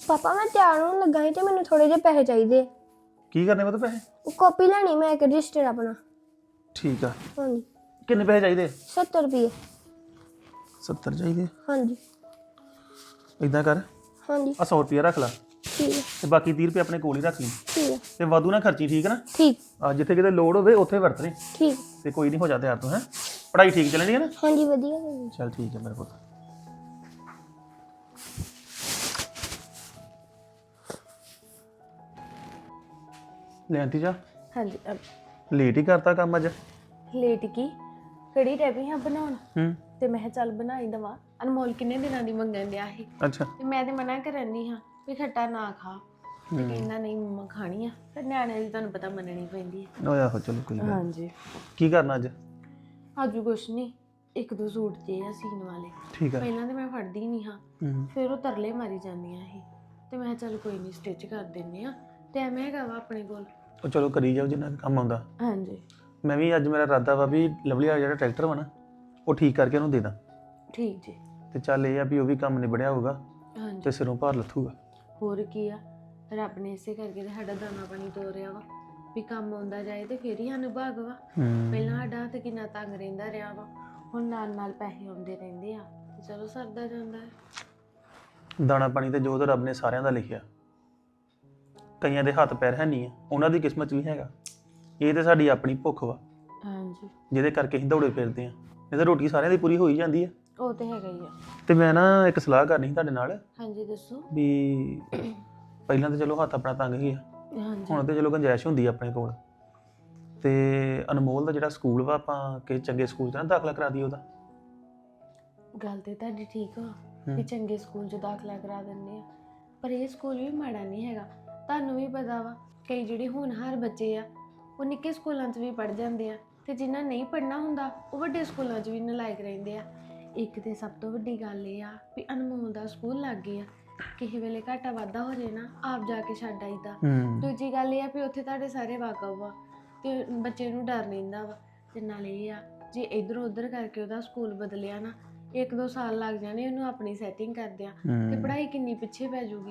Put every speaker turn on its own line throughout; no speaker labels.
ਪਾਪਾ ਮੈਂ ਤਿਆਰ ਹੋਣ ਲੱਗਾ ਸੀ ਤੇ ਮੈਨੂੰ ਥੋੜੇ ਜਿਹੇ ਪੈਸੇ ਚਾਹੀਦੇ।
ਕੀ ਕਰਨੇ ਪੁੱਤ ਪੈਸੇ?
ਕਾਪੀ ਲੈਣੀ ਮੈਂ ਇੱਕ ਰਜਿਸਟਰ ਆਪਣਾ।
ਠੀਕ ਆ।
ਹਾਂਜੀ।
ਕਿੰਨੇ ਪੈਸੇ ਚਾਹੀਦੇ?
70 ਰੁਪਏ।
70 ਚਾਹੀਦੇ?
ਹਾਂਜੀ।
ਇਦਾਂ ਕਰ,
ਹਾਂਜੀ
ਆ 100 ਰੁਪਏ ਰੱਖ ਲੈ
ਠੀਕ ਹੈ।
ਤੇ ਬਾਕੀ 30 ਰੁਪਏ ਆਪਣੇ ਕੋਲ ਹੀ ਰੱਖ ਲਈ
ਠੀਕ ਹੈ।
ਤੇ ਵਾਧੂ ਨਾ ਖਰਚੀ, ਠੀਕ ਹੈ ਨਾ?
ਠੀਕ।
ਆ ਜਿੱਥੇ ਕਿਤੇ ਲੋੜ ਹੋਵੇ ਉੱਥੇ ਵਰਤ ਲਈ।
ਠੀਕ।
ਤੇ ਕੋਈ ਨਹੀਂ, ਹੋ ਜਾ ਤਿਆਰ ਤੂੰ। ਹੈ ਪੜ੍ਹਾਈ ਠੀਕ ਚੱਲਣੀ ਹੈ ਨਾ?
ਹਾਂਜੀ ਵਧੀਆ।
ਚੱਲ ਠੀਕ ਹੈ ਮੇਰੇ ਪੁੱਤ। ਲੈ ਆਂਟੀ ਜਾ,
ਹਾਂਜੀ
ਲੇਟ ਹੀ ਕਰਤਾ ਕੰਮ ਅੱਜ।
ਲੇਟ ਕੀ ਕੜੀ ਟੈਪੀ ਹਾਂ ਬਣਾਉਣ
ਤੇ
ਮੈਂ ਕਿਹਾ ਚੱਲ ਬਣਾਈ ਦਵਾ। ਅਨਮੋਲ ਕਿੰਨੇ ਦਿਨਾਂ ਦੀ ਮੰਗਣ ਡਿਆ ਸੀ
ਅੱਛਾ।
ਤੇ ਮੈਂ ਤੇ ਮਨਾ ਕਰਨ ਦੀ ਹਾਂ ਵੀ ਖੱਟਾ ਨਾ ਖਾ, ਤੇ ਕਹਿੰਦਾ ਨਹੀਂ ਮੰਮਾ ਖਾਣੀ ਆ। ਫਿਰ ਨਿਆਣਿਆਂ ਦੀ ਤੁਹਾਨੂੰ ਪਤਾ ਮੰਨਣੀ ਪੈਂਦੀ ਹੈ।
ਓਏ ਆਹੋ ਚਲੋ ਕੋਈ ਗੱਲ ਨੀ।
ਹਾਂਜੀ।
ਕੀ ਕਰਨਾ ਅੱਜ?
ਅੱਜ ਕੁਛ ਨਹੀਂ, ਇੱਕ ਦੋ ਸੂਟ ਜੇ ਆ ਸੀਨ ਵਾਲੇ।
ਠੀਕ ਆ।
ਪਹਿਲਾਂ ਤੇ ਮੈਂ ਫੜਦੀ ਨਹੀਂ ਹਾਂ, ਫਿਰ ਉਹ ਤਰਲੇ ਮਾਰੀ ਜਾਂਦੀਆਂ ਸੀ ਤੇ ਮੈਂ ਕਿਹਾ ਚੱਲ ਕੋਈ ਨਹੀਂ ਸਟਿਚ ਕਰ ਦਿੰਨੇ ਆ। ਟਾਈਮ ਹੈਗਾ ਵਾ ਆਪਣੇ ਕੋਲ।
ਉਹ ਚਲੋ ਕਰੀ ਜਾਓ ਜਿੰਨਾ ਕੁ ਕੰਮ ਆਉਂਦਾ।
ਹਾਂਜੀ।
ਮੈਂ ਵੀ ਅੱਜ ਮੇਰਾ ਇਰਾਦਾ ਵਾ ਵੀ ਲਵਲੀ ਵਾਲਾ ਜਿਹੜਾ ਟਰੈਕਟਰ ਵਾ ਨਾ ਉਹ ਠੀਕ ਕਰਕੇ ਉਹਨੂੰ ਦੇ ਦਾਂ।
ਠੀਕ ਜੀ।
ਤੇ ਚੱਲ ਇਹ ਆ ਵੀ ਉਹ ਵੀ ਕੰਮ ਨਿਬੜਿਆ ਹੋਊਗਾ
ਹਾਂਜੀ।
ਤੇ ਸਿਰੋਂ ਭਾਰ ਲੱਥੂਗਾ।
ਹੋਰ ਕੀ ਆ, ਰੱਬ ਨੇ ਇਸੇ ਕਰਕੇ ਤੇ ਸਾਡਾ ਦਾਣਾ ਪਾਣੀ ਤੋਰਿਆ ਵਾ ਵੀ ਕੰਮ ਆਉਂਦਾ ਜਾਏ ਤੇ ਫੇਰ ਹੀ ਸਾਨੂੰ ਭਾਗ ਵਾ। ਪਹਿਲਾਂ ਸਾਡਾ ਹੱਥ ਕਿੰਨਾ ਤੰਗ ਰਹਿੰਦਾ ਰਿਹਾ ਵਾ, ਹੁਣ ਨਾਲ ਨਾਲ ਪੈਸੇ ਆਉਂਦੇ ਰਹਿੰਦੇ ਆ ਤੇ ਚਲੋ ਸਰਦਾ ਜਾਂਦਾ ਹੈ।
ਦਾਣਾ ਪਾਣੀ ਤੇ ਜੋ ਤਾਂ ਰੱਬ ਨੇ ਸਾਰਿਆਂ ਦਾ ਲਿਖਿਆ। ਕਈਆਂ ਦੇ ਹੱਥ ਪੈਰ ਹੈ ਨਹੀਂ ਆ, ਉਹਨਾਂ ਦੀ ਕਿਸਮਤ 'ਚ ਵੀ ਹੈਗਾ। ਇਹ ਤੇ ਸਾਡੀ ਆਪਣੀ ਭੁੱਖ ਵਾ
ਹਾਂਜੀ।
ਜਿਹਦੇ ਕਰਕੇ ਅਸੀਂ ਦੌੜੇ ਫਿਰਦੇ ਆ। ਇਹ ਤਾਂ ਰੋਟੀ ਸਾਰਿਆਂ ਦੀ ਪੂਰੀ ਹੋ ਹੀ ਜਾਂਦੀ ਆ।
ਉਹ ਤੇ ਹੈਗਾ ਹੀ ਆ।
ਤੇ ਮੈਂ ਨਾ ਇੱਕ ਸਲਾਹ ਕਰਨੀ ਸੀ ਤੁਹਾਡੇ ਨਾਲ
ਹਾਂਜੀ ਦੱਸੋ।
ਵੀ ਪਹਿਲਾਂ ਤਾਂ ਚਲੋ ਹੱਥ ਆਪਣਾ ਤੰਗ ਹੀ ਆ,
ਹਾਂਜੀ।
ਹੁਣ ਤੇ ਚਲੋ ਗੁੰਜਾਇਸ਼ ਹੁੰਦੀ ਆ ਆਪਣੇ ਕੋਲ। ਤੇ ਅਨਮੋਲ ਦਾ ਜਿਹੜਾ ਸਕੂਲ ਵਾ, ਆਪਾਂ ਕਿ ਚੰਗੇ ਸਕੂਲ 'ਚ ਨਾ ਦਾਖਲਾ ਕਰਾ ਦਈਏ ਉਹਦਾ।
ਗੱਲ ਤੇ ਤੁਹਾਡੀ ਠੀਕ ਆ ਵੀ ਚੰਗੇ ਸਕੂਲ 'ਚ ਦਾਖਲਾ ਕਰਾ ਦਿੰਦੇ ਆ, ਪਰ ਇਹ ਸਕੂਲ ਵੀ ਮਾੜਾ ਨਹੀਂ ਹੈਗਾ। ਤੁਹਾਨੂੰ ਵੀ ਪਤਾ ਵਾ ਕਈ ਜਿਹੜੇ ਹੋਣਹਾਰ ਬੱਚੇ ਆ ਉਹ ਨਿੱਕੇ ਸਕੂਲਾਂ 'ਚ ਵੀ ਪੜ੍ਹ ਜਾਂਦੇ ਆ, ਤੇ ਜਿਨ੍ਹਾਂ ਨਹੀਂ ਪੜ੍ਹਨਾ ਹੁੰਦਾ ਉਹ ਵੱਡੇ ਸਕੂਲਾਂ 'ਚ ਵੀ ਨਲਾਇਕ ਰਹਿੰਦੇ ਆ। ਇੱਕ ਤੇ ਸਭ ਤੋਂ ਵੱਡੀ ਗੱਲ ਇਹ ਆ ਵੀ ਅਨਮੋਲ ਦਾ ਸਕੂਲ ਲੱਗ ਗਿਆ, ਕਿਸੇ ਵੇਲੇ ਘਾਟਾ ਵਾਧਾ ਹੋ ਜੇ ਨਾ ਆਪ ਜਾ ਕੇ ਛੱਡ ਆਈਦਾ। ਦੂਜੀ ਗੱਲ ਇਹ ਆ ਵੀ ਉੱਥੇ ਤੁਹਾਡੇ ਸਾਰੇ ਵਾਕਫ ਆ ਤੇ ਬੱਚੇ ਨੂੰ ਡਰ ਰਹਿੰਦਾ ਵਾ। ਤੇ ਨਾਲ ਇਹ ਆ ਜੇ ਇੱਧਰ ਉੱਧਰ ਕਰਕੇ ਉਹਦਾ ਸਕੂਲ ਬਦਲਿਆ ਨਾ, 1-2 ਸਾਲ ਲੱਗ ਜਾਣੇ ਉਹਨੂੰ ਆਪਣੀ ਸੈਟਿੰਗ ਕਰਦਿਆਂ, ਤੇ ਪੜ੍ਹਾਈ ਕਿੰਨੀ ਪਿੱਛੇ ਪੈ ਜਾਊਗੀ।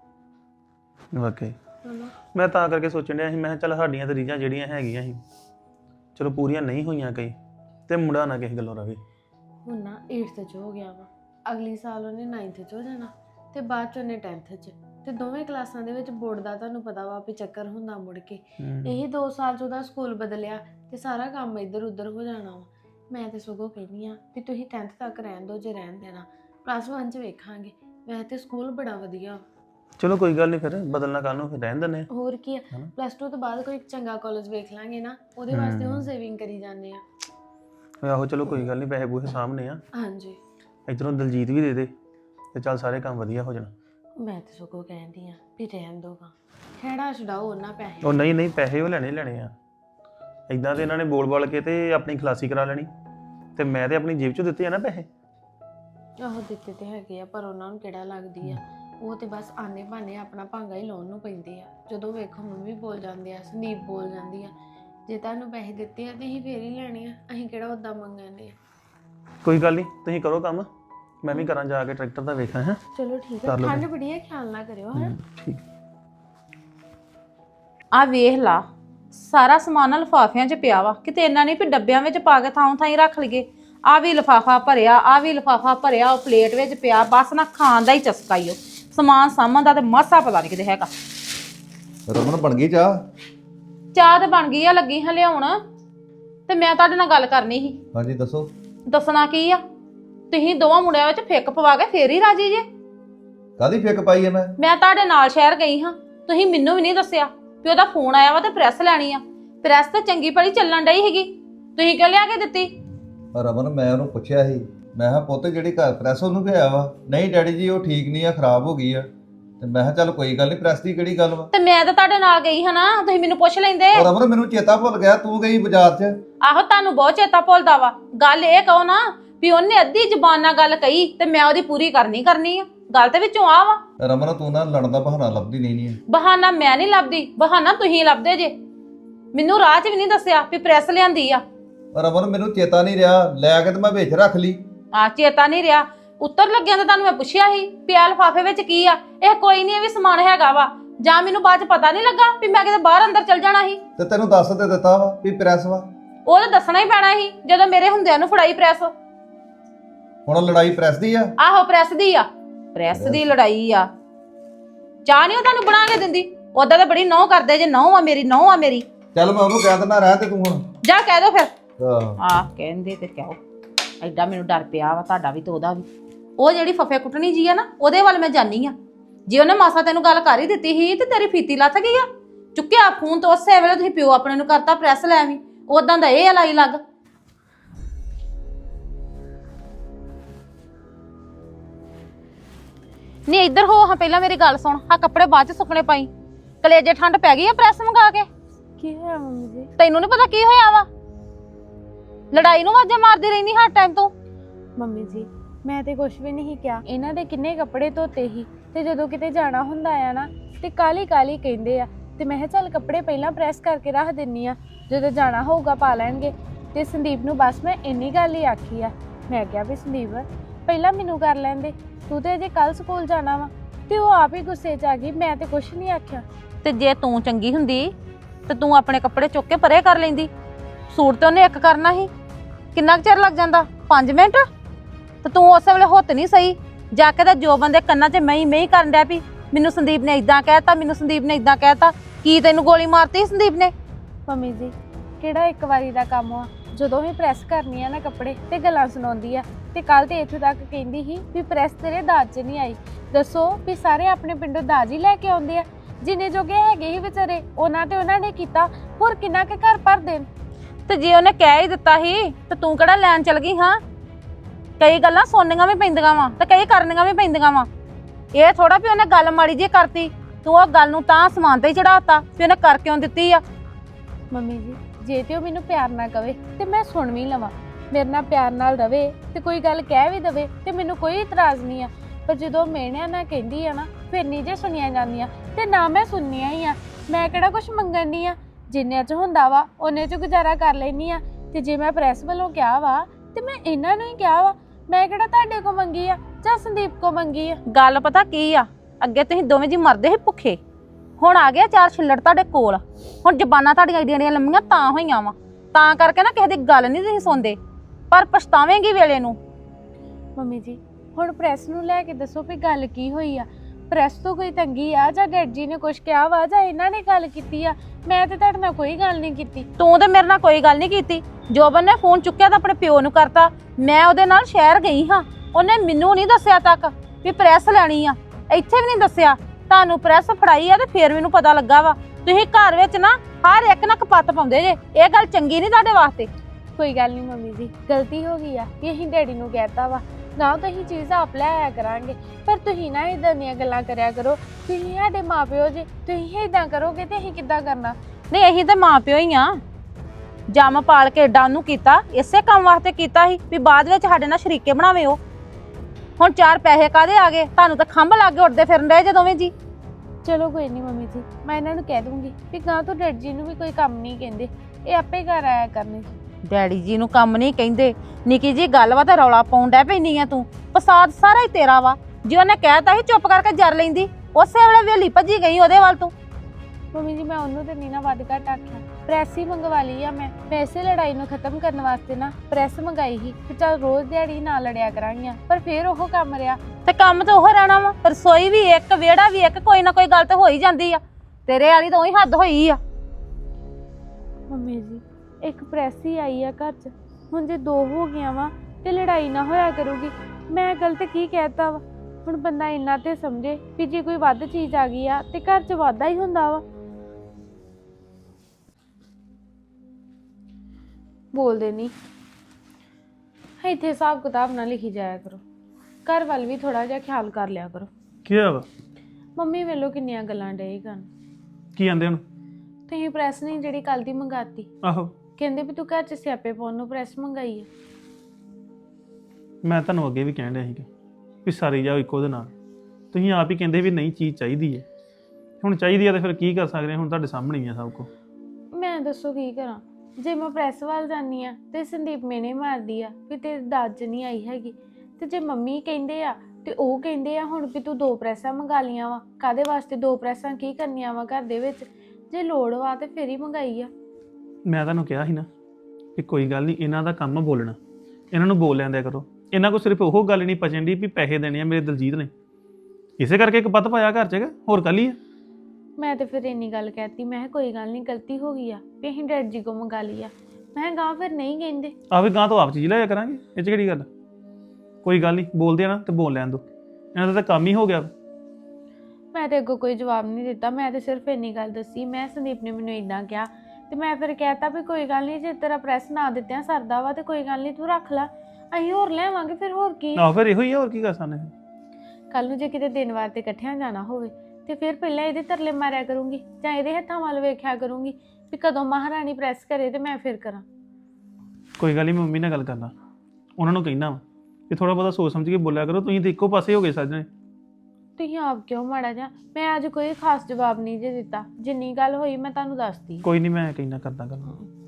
ਵਾਕਈ ਮੈਂ ਤਾਂ ਕਰਕੇ ਸੋਚਣ ਡਿਆ ਸੀ, ਮੈਂ ਕਿਹਾ ਚੱਲ ਸਾਡੀਆਂ ਤਾਂ ਰੀਝਾਂ ਜਿਹੜੀਆਂ ਹੈਗੀਆਂ ਸੀ ਚਲੋ ਪੂਰੀਆਂ ਨਹੀਂ ਹੋਈਆਂ ਕਈ, ਤੇ ਮੁੰਡਾ ਨਾ ਕਿਸੇ ਗੱਲੋਂ ਰਵੇ।
ਹੁਣ ਨਾ 8th 'ਚ ਹੋ ਗਿਆ ਵਾ, ਅਗਲੀ ਸਾਲ ਉਹਨੇ 9th 'ਚ ਹੋ ਜਾਣਾ ਤੇ ਬਾਅਦ 'ਚ ਉਹਨੇ 10th 'ਚ, ਤੇ ਦੋਵੇਂ ਕਲਾਸਾਂ ਦੇ ਵਿੱਚ ਬੋਰਡ ਦਾ ਤੁਹਾਨੂੰ ਪਤਾ ਵਾ ਵੀ ਚੱਕਰ ਹੁੰਦਾ ਮੁੜ ਕੇ। ਇਹੀ 2 ਸਾਲ 'ਚ ਉਹਦਾ ਸਕੂਲ ਬਦਲਿਆ ਤੇ ਸਾਰਾ ਕੰਮ ਇੱਧਰ ਉੱਧਰ ਹੋ ਜਾਣਾ ਵਾ। ਮੈਂ ਤੇ ਸਗੋਂ ਕਹਿੰਦੀ ਆ ਵੀ ਤੁਸੀਂ 10th ਤੱਕ ਰਹਿਣ ਦਿਓ, ਜੇ ਰਹਿਣ ਦੇਣਾ +1 'ਚ ਵੇਖਾਂਗੇ। ਵੈਸੇ ਤੇ ਸਕੂਲ ਬੜਾ ਵਧੀਆ।
ਚਲੋ ਕੋਈ ਗੱਲ ਨਹੀਂ, ਫਿਰ ਬਦਲਣਾ ਕੱਲ ਨੂੰ, ਫਿਰ ਰਹਿਣ ਦਿੰਦੇ ਆ।
ਹੋਰ ਕੀ ਆ, +2 ਤੋਂ ਬਾਅਦ ਕੋਈ ਚੰਗਾ ਕਾਲਜ ਵੇਖ ਲਾਂਗੇ ਨਾ, ਉਹਦੇ ਵਾਸਤੇ ਹੁਣ ਸੇਵਿੰਗ ਕਰੀ ਜਾਂਦੇ ਆ।
ਆਹੋ ਚਲੋ ਕੋਈ ਗੱਲ ਨਹੀਂ, ਪੈਸੇ ਪੂਸੇ ਸਾਹਮਣੇ ਆ।
ਹਾਂਜੀ।
ਇੱਧਰੋਂ ਦਲਜੀਤ ਵੀ ਦੇ ਦੇ ਤੇ ਚੱਲ ਸਾਰੇ ਕੰਮ ਵਧੀਆ ਹੋ ਜਾਣਾ।
ਮੈਂ ਤੇ ਸਗੋਂ ਕਹਿੰਦੀ ਆ ਵੀ ਰਹਿਣ ਦੋਗਾ, ਖਹਿੜਾ ਛਡਾਓ ਉਹਨਾਂ ਪੈਸੇ।
ਉਹ ਨਹੀਂ ਪੈਸੇ ਉਹ ਲੈਣੇ ਆ। ਇਦਾਂ ਤੇ ਇਹਨਾਂ ਨੇ ਬੋਲ ਕੇ ਤੇ ਆਪਣੀ ਖਲਾਸੀ ਕਰਾ ਲੈਣੀ, ਤੇ ਮੈਂ ਤੇ ਆਪਣੀ ਜੇਬ ਚੋਂ ਦਿੱਤੇ ਆ ਨਾ ਪੈਸੇ।
ਆਹੋ ਦਿੱਤੇ ਤੇ ਹੈਗੇ ਆ, ਪਰ ਉਹਨਾਂ ਨੂੰ ਕਿਹੜਾ ਲੱਗਦੀ ਆ। ਉਹ ਤੇ ਬਸ ਆਨੇ ਬਾਨੇ ਆਪਣਾ ਭਾਂਗਾ ਹੀ ਲਾਉਣ ਨੂੰ ਪੈਂਦੇ ਆ। ਜਦੋਂ ਵੇਖੋ ਮੰਮੀ ਬੋਲ ਜਾਂਦੇ ਆ, ਸੰਦੀਪ ਬੋਲ ਜਾਂਦੀ ਆ, ਜੇ ਤੁਹਾਨੂੰ ਪੈਸੇ ਦਿੱਤੇ ਆ ਤੇ ਅਸੀਂ ਫੇਰ ਹੀ ਲੈਣੇ ਆ, ਅਸੀਂ ਕਿਹੜਾ ਉਦਾਂ ਮੰਗਾਂਦੇ ਆ।
ਕੋਈ ਗੱਲ ਨਹੀਂ, ਤੁਸੀਂ ਕਰੋ ਕੰਮ, ਮੈਂ ਵੀ ਕਰਾਂ ਜਾ ਕੇ ਟਰੈਕਟਰ ਦਾ ਵੇਖਾਂ। ਹੈ
ਚਲੋ ਠੀਕ ਆ, ਠੰਡ ਬੜੀ ਆ, ਖਿਆਲ ਨਾ ਕਰਿਓ। ਹੈ
ਠੀਕ।
ਆ ਵੇਖ ਲਾ, ਸਾਰਾ ਸਮਾਨ ਲਿਫਾਫਿਆਂ 'ਚ ਪਿਆ ਵਾ, ਕਿਤੇ ਇੰਨਾ ਨਹੀਂ ਵੀ ਡੱਬਿਆਂ ਵਿੱਚ ਪਾ ਕੇ ਥਾਂ ਥਾਂ ਰੱਖ ਲਈਏ। ਆ ਵੀ ਲਿਫਾਫਾ ਭਰਿਆ, ਆ ਵੀ ਲਿਫਾਫਾ ਭਰਿਆ, ਉਹ ਪਲੇਟ ਵਿੱਚ ਪਿਆ। ਬਸ ਨਾ ਖਾਣ ਦਾ ਹੀ ਚਸਕਾ ਈ ਓ, ਸਮਾਨ ਸਾਂਭਣ ਦਾ ਤੇ ਮਾਸਾ ਪਤਾ ਨਹੀਂ ਕਿਤੇ ਹੈਗਾ।
ਰਮਨ ਬਣ ਗਈ ਚਾਹ?
ਚਾਹ ਤੇ ਬਣ ਗਈ ਆ, ਲੱਗੀ ਹਾਂ ਲਿਆਉਣ। ਤੇ ਮੈਂ ਤੁਹਾਡੇ ਨਾਲ ਗੱਲ ਕਰਨੀ ਸੀ।
ਹਾਂਜੀ ਦੱਸੋ।
ਦੱਸਣਾ ਕੀ ਆ, ਤੁਸੀਂ ਦੋਵਾਂ ਮੁੰਡਿਆਂ ਵਿੱਚ ਫਿੱਕ ਪਵਾ ਕੇ ਫੇਰ ਹੀ ਰਾਜੀ ਜੇ।
ਕਾਦੀ ਫਿੱਕ ਪਾਈ ਐ?
ਮੈਂ ਤੁਹਾਡੇ ਨਾਲ ਸ਼ਹਿਰ ਗਈ ਹਾਂ, ਤੁਸੀਂ ਮੈਨੂੰ ਵੀ ਨਹੀਂ ਦੱਸਿਆ ਵੀ ਉਹਦਾ ਫੋਨ ਆਇਆ ਵਾ ਤੇ ਪ੍ਰੈਸ ਲੈਣੀ ਆ। ਪ੍ਰੈਸ ਤਾਂ ਚੰਗੀ ਭਲੀ ਚੱਲਣ ਡਈ ਹੈਗੀ, ਤੁਸੀਂ ਕਿਉਂ ਲਿਆ ਕੇ ਦਿੱਤੀ?
ਰਮਨ ਮੈਂ ਉਹਨੂੰ ਪੁੱਛਿਆ ਸੀ, ਮੈਂ ਕਿਹਾ ਪੁੱਤ ਜਿਹੜੀ ਘਰ ਪ੍ਰੈਸ ਉਹਨੂੰ ਕਿਹਾ ਵਾ, ਨਹੀਂ ਡੈਡੀ ਜੀ ਉਹ ਠੀਕ ਨਹੀਂ ਆ, ਖਰਾਬ ਹੋ ਗਈ ਆ। ਤੇ ਮੈਂ ਕਿਹਾ ਚੱਲ ਕੋਈ ਗੱਲ ਨਹੀਂ, ਪ੍ਰੈਸ ਦੀ ਕਿਹੜੀ ਗੱਲ ਵਾ।
ਤੇ ਮੈਂ ਤਾਂ ਤੁਹਾਡੇ ਨਾਲ ਗਈ ਹਾਂ ਨਾ, ਤੁਸੀਂ ਮੈਨੂੰ ਪੁੱਛ ਲੈਂਦੇ।
ਰਮਨ ਮੈਨੂੰ ਚੇਤਾ ਭੁੱਲ ਗਿਆ, ਤੂੰ ਗਈ ਬਾਜ਼ਾਰ 'ਚ।
ਆਹੋ ਤੁਹਾਨੂੰ ਬਹੁਤ ਚੇਤਾ ਭੁੱਲਦਾ ਵਾ। ਗੱਲ ਇਹ ਕਹੋ ਨਾ ਵੀ ਉਹਨੇ ਅੱਧੀ ਜ਼ਬਾਨ ਨਾਲ ਗੱਲ ਕਹੀ ਤੇ ਮੈਂ ਉਹਦੀ ਪੂਰੀ ਕਰਨੀ ਆ। ਗੱਲ ਤੇ ਵਿੱਚੋਂ ਆ ਵਾ।
ਰਮਨ ਤੂੰ ਨਾ ਲੜਨ ਦਾ ਬਹਾਨਾ ਲੱਭਦੀ ਨਹੀਂ।
ਬਹਾਨਾ ਮੈਂ ਨਹੀਂ ਲੱਭਦੀ, ਬਹਾਨਾ ਤੁਸੀਂ ਲੱਭਦੇ ਜੇ। ਮੈਨੂੰ ਰਾਹ 'ਚ ਵੀ ਨਹੀਂ ਦੱਸਿਆ ਵੀ ਪ੍ਰੈਸ ਲਿਆਂਦੀ ਆ।
ਰਮਨ ਮੈਨੂੰ ਚੇਤਾ ਨਹੀਂ ਰਿਹਾ, ਲੈ ਕੇ ਤੇ ਮੈਂ ਵਿੱਚ ਰੱਖ ਲਈ।
ਚੇਤਾ ਨਹੀਂ ਰਿਹਾ, ਉੱਤਰ ਲੱਗਿਆ ਤਾਂ ਤੁਹਾਨੂੰ ਮੈਂ ਪੁੱਛਿਆ ਸੀ ਵੀ ਆਹ ਲਿਫਾਫੇ ਵਿੱਚ ਕੀ ਆ। ਇਹ ਕੋਈ ਨਹੀਂ, ਇਹ ਵੀ ਸਮਾਨ ਹੈਗਾ ਵਾ। ਜਾਂ ਮੈਨੂੰ ਬਾਅਦ ਚ ਪਤਾ ਨਹੀਂ ਲੱਗਾ ਵੀ ਮੈਂ ਕਿਤੇ ਬਾਹਰ ਅੰਦਰ ਚਲ ਜਾਣਾ ਸੀ।
ਤੇ ਤੈਨੂੰ ਦੱਸ ਤੇ ਦਿੱਤਾ ਵਾ ਵੀ ਪ੍ਰੈਸ ਵਾ।
ਉਹ ਤਾਂ ਦੱਸਣਾ ਹੀ ਪੈਣਾ ਸੀ ਜਦੋਂ ਮੇਰੇ ਹੁੰਦਿਆਂ ਨੂੰ ਫੜਾਈ ਪ੍ਰੈਸ।
ਹੁਣ ਲੜਾਈ ਪ੍ਰੈਸ ਦੀ ਆ।
ਆਹੋ ਪ੍ਰੈਸ ਦੀ ਆ, ਪ੍ਰੈਸ ਦੀ ਲੜਾਈ ਆ। ਚਾਹ ਨਹੀਂ ਉਹ ਤੁਹਾਨੂੰ ਬਣਾ ਕੇ ਦਿੰਦੀ। ਉਦਾਂ ਤਾਂ ਬੜੀ ਨਹੁੰ ਕਰਦੇ ਜੇ, ਨਹੁੰ ਆ ਮੇਰੀ, ਨਹੁੰ ਆ ਮੇਰੀ।
ਚੱਲ ਮੈਂ ਉਹਨੂੰ ਕਹਿ ਦਿੰਦਾ, ਰਹਿ ਤੇ ਤੂੰ ਹੁਣ।
ਜਾ ਕਹਿ ਦੋ ਫਿਰ।
ਆਹ
ਕਹਿੰਦੇ ਤੇ ਕਹੋ। ਐਡਾ ਮੈਨੂੰ ਡਰ ਪਿਆ ਵਾ, ਤੁਹਾਡਾ ਵੀ ਤੇ ਉਹਦਾ ਵੀ। ਉਹ ਜਿਹੜੀ ਫਫੇ ਕੁੱਟਣੀ ਜੀ ਆ ਨਾ, ਉਹਦੇ ਵੱਲ ਮੈਂ ਜਾਨੀ ਆ। ਜੇ ਉਹਨੇ ਮਾਸਾ ਤੈਨੂੰ ਗੱਲ ਕਰ ਹੀ ਦਿੱਤੀ ਸੀ ਤੇ ਤੇਰੀ ਫੀਤੀ ਲੱਥ ਗਈ ਆ। ਚੁੱਕਿਆ ਫੋਨ ਤੋਂ ਉਸੇ ਵੇਲੇ ਤੁਸੀਂ ਪਿਓ ਆਪਣੇ ਨੂੰ ਕਰਤਾ ਪ੍ਰੈਸ ਲੈ ਆਵੀਂ। ਉਦਾਂ ਦਾ ਇਹ ਲਾਈ ਲੱਗ। ਨਹੀਂ ਇੱਧਰ ਹੋ ਹਾਂ, ਪਹਿਲਾਂ ਮੇਰੀ ਗੱਲ ਸੁਣ। ਆ ਕੱਪੜੇ ਬਾਅਦ ਚ ਸੁੱਕਣੇ ਪਾਈ। ਕਲੇਜੇ ਠੰਡ ਪੈ ਗਈ ਆ ਪ੍ਰੈਸ ਮੰਗਾ ਕੇ।
ਕੀ ਹੋਇਆ ਮੰਮੀ ਜੀ?
ਤੈਨੂੰ ਨਹੀਂ ਪਤਾ ਕੀ ਹੋਇਆ ਵਾ? ਲੜਾਈ ਨੂੰ ਵਾਜਾ ਮਾਰਦੀ ਰਹਿੰਦੀ ਹਰ ਟਾਈਮ ਤੂੰ।
ਮੰਮੀ ਜੀ ਮੈਂ ਤੇ ਕੁਝ ਵੀ ਨਹੀਂ ਕਿਹਾ। ਇਹਨਾਂ ਦੇ ਕਿੰਨੇ ਕੱਪੜੇ ਧੋਤੇ ਹੀ ਤੇ ਜਦੋਂ ਕਿਤੇ ਜਾਣਾ ਹੁੰਦਾ ਆ ਨਾ ਤੇ ਕਾਲੀ ਕਾਲੀ ਕਹਿੰਦੇ ਆ ਤੇ ਮੈਂ ਕਿਹਾ ਚੱਲ ਕੱਪੜੇ ਪਹਿਲਾਂ ਪ੍ਰੈਸ ਕਰਕੇ ਰੱਖ ਦਿੰਨੀ ਆ, ਜਦੋਂ ਜਾਣਾ ਹੋਊਗਾ ਪਾ ਲੈਣਗੇ। ਤੇ ਸੰਦੀਪ ਨੂੰ ਬਸ ਮੈਂ ਇੰਨੀ ਗੱਲ ਹੀ ਆਖੀ ਆ। ਮੈਂ ਕਿਹਾ ਵੀ ਸੰਦੀਪ ਪਹਿਲਾਂ ਮੈਨੂੰ ਕਰ ਲੈਂਦੇ, ਤੂੰ ਤੇ ਅਜੇ ਕੱਲ ਸਕੂਲ ਜਾਣਾ ਵਾ। ਤੇ ਉਹ ਆਪ ਹੀ ਗੁੱਸੇ 'ਚ ਆ ਗਈ। ਮੈਂ ਤੇ ਕੁਝ ਨਹੀਂ ਆਖਿਆ।
ਤੇ ਜੇ ਤੂੰ ਚੰਗੀ ਹੁੰਦੀ ਤੇ ਤੂੰ ਆਪਣੇ ਕੱਪੜੇ ਚੁੱਕ ਕੇ ਪਰੇ ਕਰ ਲੈਂਦੀ। ਸੂਟ ਤੇ ਉਹਨੇ ਇੱਕ ਕਰਨਾ ਸੀ। ਕਿੰਨਾ ਕੁ ਚਿਰ ਲੱਗ ਜਾਂਦਾ? 5 ਮਿੰਟ। ਤੇ ਤੂੰ ਉਸੇ ਵੇਲੇ ਹੁੱਤ ਨਹੀਂ ਸਹੀ ਜਾ ਕੇ ਤਾਂ ਜੋ ਬੰਦੇ ਕੰਨਾਂ 'ਚ ਮੈਂ ਕਰਨ ਡਿਆ ਪਈ। ਮੈਨੂੰ ਸੰਦੀਪ ਨੇ ਇਦਾਂ ਕਹਿਤਾ, ਮੈਨੂੰ ਸੰਦੀਪ ਨੇ ਇਦਾਂ ਕਹਿਤਾ। ਕੀ ਤੈਨੂੰ ਗੋਲੀ ਮਾਰਤੀ ਸੰਦੀਪ ਨੇ?
ਮੰਮੀ ਜੀ ਕਿਹੜਾ ਇੱਕ ਵਾਰੀ ਦਾ ਕੰਮ ਆ? ਜਦੋਂ ਵੀ ਪ੍ਰੈਸ ਕਰਨੀ ਆ ਨਾ ਕੱਪੜੇ ਤੇ ਗੱਲਾਂ ਸੁਣਾਉਂਦੀ ਆ। ਤੇ ਕੱਲ ਤੇ ਇੱਥੋਂ ਤੱਕ ਕਹਿੰਦੀ ਸੀ ਵੀ ਪ੍ਰੈਸ ਤੇਰੇ ਦਾਜ 'ਚ ਨਹੀਂ ਆਈ। ਦੱਸੋ ਵੀ ਸਾਰੇ ਆਪਣੇ ਪਿੰਡੋਂ ਦਾਜ ਹੀ ਲੈ ਕੇ ਆਉਂਦੇ ਆ। ਜਿੰਨੇ ਜੋਗੇ ਹੈਗੇ ਹੀ ਵਿਚਾਰੇ ਉਹਨਾਂ ਨੇ ਕੀਤਾ। ਹੋਰ ਕਿੰਨਾ ਕੁ ਘਰ ਭਰ ਦੇਣ।
ਤੇ ਜੇ ਉਹਨੇ ਕਹਿ ਹੀ ਦਿੱਤਾ ਸੀ ਤੇ ਤੂੰ ਕਿਹੜਾ ਲੈਣ ਚਲ ਗਈ? ਹਾਂ, ਕਈ ਗੱਲਾਂ ਸੁਣਨੀਆਂ ਵੀ ਪੈਂਦੀਆਂ ਵਾ ਤੇ ਕਈ ਕਰਨੀਆਂ ਵੀ ਪੈਂਦੀਆਂ ਵਾ। ਇਹ ਥੋੜਾ ਵੀ ਉਹਨੇ ਗੱਲ ਮਾੜੀ ਜਿਹੀ ਕਰਤੀ ਤੂੰ ਉਹ ਗੱਲ ਨੂੰ ਤਾਂ ਸਮਾਨ ਤੇ ਹੀ ਚੜਾਤਾ ਵੀ ਉਹਨੇ ਕਰ ਕਿਉਂ ਦਿੱਤੀ ਆ।
ਮੰਮੀ ਜੀ ਜੇ ਤੇ ਉਹ ਮੈਨੂੰ ਪਿਆਰ ਨਾਲ ਕਵੇ ਤੇ ਮੈਂ ਸੁਣ ਵੀ ਲਵਾਂ, ਮੇਰੇ ਨਾਲ ਪਿਆਰ ਨਾਲ ਰਵੇ ਤੇ ਕੋਈ ਗੱਲ ਕਹਿ ਵੀ ਦਵੇ ਤੇ ਮੈਨੂੰ ਕੋਈ ਇਤਰਾਜ਼ ਨਹੀਂ ਆ। ਪਰ ਜਦੋਂ ਮਿਹਣਿਆਂ ਨਾਲ ਕਹਿੰਦੀ ਆ ਨਾ ਫਿਰ ਨਹੀਂ ਜੇ ਸੁਣੀਆਂ ਜਾਂਦੀਆਂ। ਤੇ ਨਾ ਮੈਂ ਸੁਣਨੀਆਂ ਹੀ ਆ। ਮੈਂ ਕਿਹੜਾ ਕੁਝ ਮੰਗਣ ਦੀ ਆ। ਜਿੰਨੇ 'ਚ ਹੁੰਦਾ ਵਾ ਉਹਨੇ 'ਚ ਗੁਜ਼ਾਰਾ ਕਰ ਲੈਣੀ ਆ। ਤੇ ਜੇ ਮੈਂ ਪ੍ਰੈਸ ਵੱਲੋਂ ਕਿਹਾ ਵਾ ਤੇ ਮੈਂ ਇਹਨਾਂ ਨੂੰ ਹੀ ਕਿਹਾ ਵਾ। ਮੈਂ ਕਿਹੜਾ ਤੁਹਾਡੇ ਕੋ ਮੰਗੀ ਆ ਜਾਂ ਸੰਦੀਪ ਕੋ ਮੰਗੀ ਆ।
ਗੱਲ ਪਤਾ ਕੀ ਆ? ਅੱਗੇ ਤੁਸੀਂ ਦੋਵੇਂ ਜੀ ਮਰਦੇ ਸੀ ਭੁੱਖੇ, ਹੁਣ ਆ ਗਿਆ 4 ਛਿੱਲੜ ਤੁਹਾਡੇ ਕੋਲ। ਹੁਣ ਜ਼ਬਾਨਾਂ ਤੁਹਾਡੀਆਂ ਏਡੀਆਂ ਲੰਮੀਆਂ ਤਾਂ ਹੋਈਆਂ ਵਾ, ਤਾਂ ਕਰਕੇ ਨਾ ਕਿਸੇ ਦੀ ਗੱਲ ਨਹੀਂ ਤੁਸੀਂ ਸੁਣਦੇ, ਪਰ ਪਛਤਾਵੇਂਗੀ ਵੇਲੇ ਨੂੰ।
ਮੰਮੀ ਜੀ ਹੁਣ ਪ੍ਰੈਸ ਨੂੰ ਲੈ ਕੇ ਦੱਸੋ ਵੀ ਗੱਲ ਕੀ ਹੋਈ ਆ? ਪ੍ਰੈਸ ਤੋਂ ਕੋਈ ਤੰਗੀ ਆ ਜਾਂ ਡੈਡ ਜੀ ਨੇ ਕੁਝ ਕਿਹਾ ਵਾ ਜਾਂ ਇਹਨਾਂ ਨੇ ਗੱਲ ਕੀਤੀ ਆ? ਮੈਂ ਤੇ ਤੁਹਾਡੇ ਨਾਲ ਕੋਈ ਗੱਲ ਨਹੀਂ ਕੀਤੀ।
ਤੂੰ ਤੇ ਮੇਰੇ ਨਾਲ ਕੋਈ ਗੱਲ ਨਹੀਂ ਕੀਤੀ। ਜੋਬਨ ਨੇ ਫੋਨ ਚੁੱਕਿਆ ਤਾਂ ਆਪਣੇ ਪਿਓ ਨੂੰ ਕਰਤਾ। ਮੈਂ ਉਹਦੇ ਨਾਲ ਸ਼ਹਿਰ ਗਈ ਹਾਂ, ਉਹਨੇ ਮੈਨੂੰ ਨਹੀਂ ਦੱਸਿਆ ਤੱਕ ਵੀ ਪ੍ਰੈਸ ਲੈਣੀ ਆ। ਇੱਥੇ ਵੀ ਨਹੀਂ ਦੱਸਿਆ। ਤੁਹਾਨੂੰ ਪ੍ਰੈਸ ਫੜਾਈ ਆ ਤੇ ਫੇਰ ਮੈਨੂੰ ਪਤਾ ਲੱਗਾ ਵਾ। ਤੁਸੀਂ ਘਰ ਵਿੱਚ ਨਾ ਹਰ ਇੱਕ ਨਾਲ ਕਪੱਤ ਪਾਉਂਦੇ ਜੇ। ਇਹ ਗੱਲ ਚੰਗੀ ਨਹੀਂ ਤੁਹਾਡੇ ਵਾਸਤੇ।
ਕੋਈ ਗੱਲ ਨਹੀਂ ਮੰਮੀ ਜੀ ਗਲਤੀ ਹੋ ਗਈ ਆ ਕਿ ਅਸੀਂ ਡੈਡੀ ਨੂੰ ਕਹਿਤਾ ਵਾ। ਨਾ ਤਾਂ ਅਸੀਂ ਚੀਜ਼ ਆਪ ਲੈ ਆਇਆ ਕਰਾਂਗੇ, ਪਰ ਤੁਸੀਂ ਨਾ ਇਦਾਂ ਦੀਆਂ ਗੱਲਾਂ ਕਰਿਆ ਕਰੋ। ਤੁਸੀਂ ਸਾਡੇ ਮਾਪਿਓ ਜੇ, ਤੁਸੀਂ ਇਦਾਂ ਕਰੋਗੇ ਤੇ ਅਸੀਂ ਕਿੱਦਾਂ ਕਰਨਾ?
ਨਹੀਂ ਅਸੀਂ ਤਾਂ ਮਾਂ ਪਿਓ ਹੀ ਆ। ਜੰਮ ਪਾਲ ਕੇ ਏਡਾ ਉਹਨੂੰ ਕੀਤਾ, ਇਸੇ ਕੰਮ ਵਾਸਤੇ ਕੀਤਾ ਸੀ ਵੀ ਬਾਅਦ ਵਿੱਚ ਸਾਡੇ ਨਾਲ ਸ਼ਰੀਕੇ ਬਣਾਵੇ ਉਹ। ਹੁਣ 4 ਪੈਸੇ ਕਾਹਦੇ ਆ ਗਏ? ਤੁਹਾਨੂੰ ਤਾਂ ਖੰਭ ਲੱਗ ਕੇ ਉੱਡਦੇ ਫਿਰਨ ਰਹੇ ਜੇ ਦੋਵੇਂ ਜੀ।
ਚਲੋ ਕੋਈ ਨਹੀਂ ਮੰਮੀ ਜੀ ਮੈਂ ਇਹਨਾਂ ਨੂੰ ਕਹਿ ਦੂੰਗੀ ਵੀ ਗਾਂ ਤੋਂ ਡੈਡ ਜੀ ਨੂੰ ਵੀ ਕੋਈ ਕੰਮ ਨਹੀਂ ਕਹਿੰਦੇ, ਇਹ ਆਪੇ ਘਰ ਆਇਆ ਕਰਨੇ।
ਡੈਡੀ ਜੀ ਨੂੰ ਕੰਮ ਨਹੀਂ ਕਹਿੰਦੇ। ਨਿੱਕੀ ਜੀ ਗੱਲ ਵਾ ਤਾਂ ਰੌਲਾ ਪਾਉਣ ਡੈ ਪੈਂਦੀ ਆ ਤੂੰ। ਫਸਾਦ ਸਾਰਾ ਹੀ ਤੇਰਾ ਵਾ। ਜੇ ਉਹਨੇ ਕਹਿਤਾ ਸੀ ਚੁੱਪ ਕਰਕੇ ਜਰ ਲੈਂਦੀ, ਉਸੇ ਵੇਲੇ ਵੇਲੀ ਭੱਜੀ ਗਈ ਉਹਦੇ ਵੱਲ ਤੂੰ।
ਮੰਮੀ ਜੀ ਮੈਂ ਉਹਨੂੰ ਤੇ ਨਹੀਂ ਨਾ ਵੱਧ ਘੱਟ ਆਖਿਆ। ਪ੍ਰੈਸ ਹੀ ਮੰਗਵਾ ਲਈ ਆ ਮੈਂ। ਵੈਸੇ ਲੜਾਈ ਨੂੰ ਖਤਮ ਕਰਨ ਵਾਸਤੇ ਨਾ ਪ੍ਰੈਸ ਮੰਗਾਈ ਸੀ ਕਿ ਚੱਲ ਰੋਜ਼ ਦਿਹਾੜੀ ਨਾ ਲੜਿਆ ਕਰਾਂਗੀਆਂ, ਪਰ ਫਿਰ ਉਹ ਕੰਮ ਰਿਹਾ।
ਤੇ ਕੰਮ ਤਾਂ ਉਹ ਰਹਿਣਾ ਵਾ। ਰਸੋਈ ਵੀ ਇੱਕ, ਵਿਹੜਾ ਵੀ ਇੱਕ, ਕੋਈ ਨਾ ਕੋਈ ਗੱਲ ਤਾਂ ਹੋ ਹੀ ਜਾਂਦੀ ਆ। ਤੇਰੇ ਵਾਲੀ ਤਾਂ ਉਹੀ ਹੱਦ ਹੋਈ ਆ।
ਮੰਮੀ ਜੀ ਇੱਕ ਪ੍ਰੈਸ ਹੀ ਆਈ ਆ ਘਰ 'ਚ, ਹੁਣ ਜੇ 2 ਹੋ ਗਈਆਂ ਵਾ ਤੇ ਲੜਾਈ ਨਾ ਹੋਇਆ ਕਰੂਗੀ। ਮੈਂ ਗਲਤ ਕੀ ਕਹਿਤਾ ਵਾ? ਹੁਣ ਬੰਦਾ ਇੰਨਾ ਤੇ ਸਮਝੇ ਵੀ ਜੇ ਕੋਈ ਵੱਧ ਚੀਜ਼ ਆ ਗਈ ਆ ਤੇ ਘਰ 'ਚ ਵਾਧਾ ਹੀ ਹੁੰਦਾ ਵਾ। ਬੋਲਦੇ ਨਹੀਂ ਇੱਥੇ ਹਿਸਾਬ ਕਿਤਾਬ ਨਾ ਲਿਖੀ ਜਾਇਆ ਕਰੋ। ਘਰ ਵੱਲ ਵੀ ਥੋੜਾ ਜਿਹਾ ਖਿਆਲ ਕਰ ਲਿਆ ਕਰੋ।
ਕੀ ਹੋਇਆ ਵਾ?
ਮੰਮੀ ਵੇਲੋ ਕਿੰਨੀਆਂ ਗੱਲਾਂ ਡੇ ਕਰਨ।
ਕੀ ਆਂਦੇ ਹੁਣ?
ਤੁਸੀਂ ਪ੍ਰੈਸ ਨਹੀਂ ਜਿਹੜੀ ਕੱਲ ਦੀ ਮੰਗਾਤੀ,
ਆਹੋ
ਕਹਿੰਦੇ ਵੀ ਤੂੰ ਘਰ 'ਚ ਸਿਆਪੇ ਪਾਉਣ ਨੂੰ ਪ੍ਰੈਸ ਮੰਗਾਈ ਆ।
ਮੈਂ ਤੁਹਾਨੂੰ ਅੱਗੇ ਵੀ ਕਹਿਣ ਡਿਆ ਸੀਗਾ ਵੀ ਸਾਰੀ ਜਾਓ ਇੱਕੋ ਦੇ ਨਾਲ। ਤੁਸੀਂ ਆਪ ਹੀ ਕਹਿੰਦੇ ਵੀ ਨਹੀਂ ਚੀਜ਼ ਚਾਹੀਦੀ ਹੈ। ਹੁਣ ਚਾਹੀਦੀ ਆ ਤੇ ਫਿਰ ਕੀ ਕਰ ਸਕਦੇ? ਹੁਣ ਤੁਹਾਡੇ ਸਾਹਮਣੇ ਹੀ ਆ ਸਭ ਕੁਝ।
ਮੈਂ ਦੱਸੋ ਕੀ ਕਰਾਂ? ਜੇ ਮੈਂ ਪ੍ਰੈਸ ਵੱਲ ਜਾਂਦੀ ਆ ਤੇ ਸੰਦੀਪ ਮੈਨੇ ਮਾਰਦੀ ਆ ਵੀ ਤੇਰੀ ਦਾਜ ਨਹੀਂ ਆਈ ਹੈਗੀ, ਤੇ ਜੇ ਮੰਮੀ ਕਹਿੰਦੇ ਆ ਤੇ ਉਹ ਕਹਿੰਦੇ ਆ ਹੁਣ ਵੀ ਤੂੰ 2 ਪ੍ਰੈਸਾਂ ਮੰਗਾ ਲੀਆਂ ਵਾ, ਕਾਦੇ ਵਾਸਤੇ 2 ਪ੍ਰੈਸਾਂ ਕੀ ਕਰਨੀਆਂ ਵਾ ਘਰ ਦੇ ਵਿੱਚ, ਜੇ ਲੋੜ ਵਾ ਤੇ ਫਿਰ ਹੀ ਮੰਗਾਈ ਆ।
ਮੈਂ ਤੁਹਾਨੂੰ ਕਿਹਾ ਸੀ ਨਾ ਕਿ ਕੋਈ ਗੱਲ ਨਹੀਂ, ਇਹਨਾਂ ਦਾ ਕੰਮ ਆ ਬੋਲਣਾ, ਇਹਨਾਂ ਨੂੰ ਬੋਲ ਲੈਂਦਿਆ ਕਰੋ। ਇਹਨਾਂ ਕੋਲ ਸਿਰਫ ਉਹ ਗੱਲ ਨਹੀਂ ਪਚਣ ਦੀ ਵੀ ਪੈਸੇ ਦੇਣੇ ਆ ਮੇਰੇ ਦਲਜੀਤ ਨੇ, ਇਸੇ ਕਰਕੇ ਇੱਕ ਪੱਤ ਪਾਇਆ ਘਰ 'ਚ, ਹੋਰ ਕੱਲ ਹੀ ਆ।
ਮੈਂ ਤੇ ਫਿਰ ਇੰਨੀ ਗੱਲ ਕਹਿਤੀ, ਮੈਂ ਕਿਹਾ ਕੋਈ ਗੱਲ ਨਹੀਂ, ਗਲਤੀ ਹੋ ਗਈ ਆ ਵੀ ਅਸੀਂ ਡੈਡ ਜੀ ਕੋ ਮੰਗਾ ਲਈ ਆ। ਮੈਂ ਗਾਂ ਫਿਰ ਨਹੀਂ ਕਹਿੰਦੇ।
ਆਵੇ ਗਾਂ ਤੋਂ ਆਪ ਚੀਜ਼ ਲਿਆ ਕਰਾਂਗੇ, ਇਹ 'ਚ ਕਿਹੜੀ ਗੱਲ। ਕੋਈ ਗੱਲ ਨਹੀਂ, ਬੋਲਦੇ ਆ ਨਾ ਤੇ ਬੋਲ ਲੈਣ ਦੋ, ਇਹਨਾਂ ਦਾ ਤਾਂ ਕੰਮ ਹੀ ਹੋ ਗਿਆ।
ਮੈਂ ਤੇ ਅੱਗੋਂ ਕੋਈ ਜਵਾਬ ਨਹੀਂ ਦਿੱਤਾ, ਮੈਂ ਤੇ ਸਿਰਫ ਇੰਨੀ ਗੱਲ ਦੱਸੀ, ਮੈਂ ਸੰਦੀਪ ਨੇ ਮੈਨੂੰ ਇਦਾਂ ਕਿਹਾ ਤੇ ਮੈਂ ਫਿਰ ਕਹਿਤਾ ਵੀ ਕੋਈ ਗੱਲ ਨਹੀਂ, ਜੇ ਤੇਰਾ ਪ੍ਰੈਸ ਨਾ ਦਿੱਤਿਆਂ ਸਰਦਾ ਵਾ ਤੇ ਕੋਈ ਗੱਲ ਨਹੀਂ, ਤੂੰ ਰੱਖ ਲੈ, ਅਸੀਂ ਹੋਰ ਲੈਵਾਂਗੇ ਫਿਰ, ਹੋਰ ਕੀ।
ਆਹ ਫਿਰ ਇਹੋ ਹੀ ਆ, ਹੋਰ ਕੀ ਕਰ ਸਕਦੇ।
ਕੱਲ ਨੂੰ ਜੇ ਕਿਤੇ ਦਿਨ ਵਾਰ ਤੇ ਇਕੱਠਿਆਂ ਜਾਣਾ ਹੋਵੇ ਤੇ ਫਿਰ ਪਹਿਲਾਂ ਇਹਦੇ ਤਰਲੇ ਮਾਰਿਆ ਕਰੂੰਗੀ ਜਾਂ ਇਹਦੇ ਹੱਥਾਂ ਵੱਲ ਵੇਖਿਆ ਕਰੂੰਗੀ ਵੀ ਕਦੋਂ ਮਹਾਰਾਣੀ ਪ੍ਰੈਸ ਕਰੇ ਤੇ ਮੈਂ ਫਿਰ ਕਰਾਂ।
ਕੋਈ ਗੱਲ ਨਹੀਂ, ਮੰਮੀ ਨਾਲ ਗੱਲ ਕਰਨਾ, ਉਹਨਾਂ ਨੂੰ ਕਹਿਣਾ ਵਾ ਕਿ ਥੋੜਾ ਬਹੁਤਾ ਸੋਚ ਸਮਝ ਕੇ ਬੋਲਿਆ ਕਰੋ, ਤੁਸੀਂ ਤਾਂ ਇੱਕੋ ਪਾਸੇ ਹੋ ਗਏ ਸਾਜਣੇ।
ਤੁਸੀਂ ਆਪ ਕਿਉਂ ਮਾੜਾ ਜਿਹਾ, ਮੈਂ ਅੱਜ ਕੋਈ ਖਾਸ ਜਵਾਬ ਨਹੀਂ ਜੇ ਦਿੱਤਾ, ਜਿੰਨੀ ਗੱਲ ਹੋਈ ਮੈਂ ਤੁਹਾਨੂੰ ਦੱਸਦੀ।
ਕੋਈ ਨਹੀਂ, ਮੈਂ ਕਹਿਣਾ ਕਰਦਾ ਗੱਲ।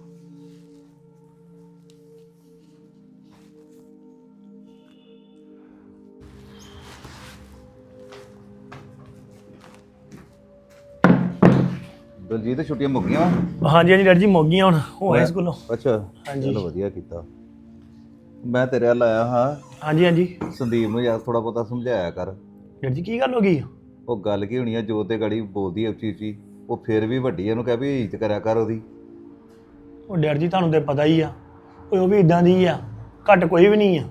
ਦਲਜੀਤ ਛੁੱਟੀਆਂ ਮੁੱਕ ਗਈਆਂ ਵਾ?
ਹਾਂਜੀ ਹਾਂਜੀ ਡੈਡੀ ਜੀ ਮੁੱਕ ਗਈਆਂ, ਹੁਣ ਹੋ ਆਏ ਸਕੂਲੋਂ।
ਅੱਛਾ,
ਹਾਂਜੀ।
ਚਲੋ ਵਧੀਆ ਕੀਤਾ। ਮੈਂ ਤੇਰੇ ਵੱਲ ਆਇਆ ਹਾਂ,
ਹਾਂਜੀ ਹਾਂਜੀ
ਸੰਦੀਪ ਨੂੰ ਯਾਰ ਥੋੜਾ ਬਹੁਤਾ ਸਮਝਾਇਆ ਕਰ।
ਡੈਡੀ ਜੀ ਕੀ ਗੱਲ ਹੋ ਗਈ?
ਉਹ ਗੱਲ ਕੀ ਹੋਣੀ ਆ, ਜੋ ਤੇ ਗਾੜੀ ਬੋਲਦੀ ਆ ਉੱਚੀ ਉੱਚੀ, ਉਹ ਫਿਰ ਵੀ ਵੱਡੀ ਇਹਨੂੰ ਕਹਿ ਵੀ ਇੱਜ਼ਤ ਕਰਿਆ ਕਰ ਉਹਦੀ।
ਉਹ ਡੈਡੀ ਜੀ ਤੁਹਾਨੂੰ ਤੇ ਪਤਾ ਹੀ ਆ, ਉਹ ਵੀ ਇਦਾਂ ਦੀ ਆ, ਘੱਟ ਕੋਈ ਵੀ ਨਹੀਂ ਆ।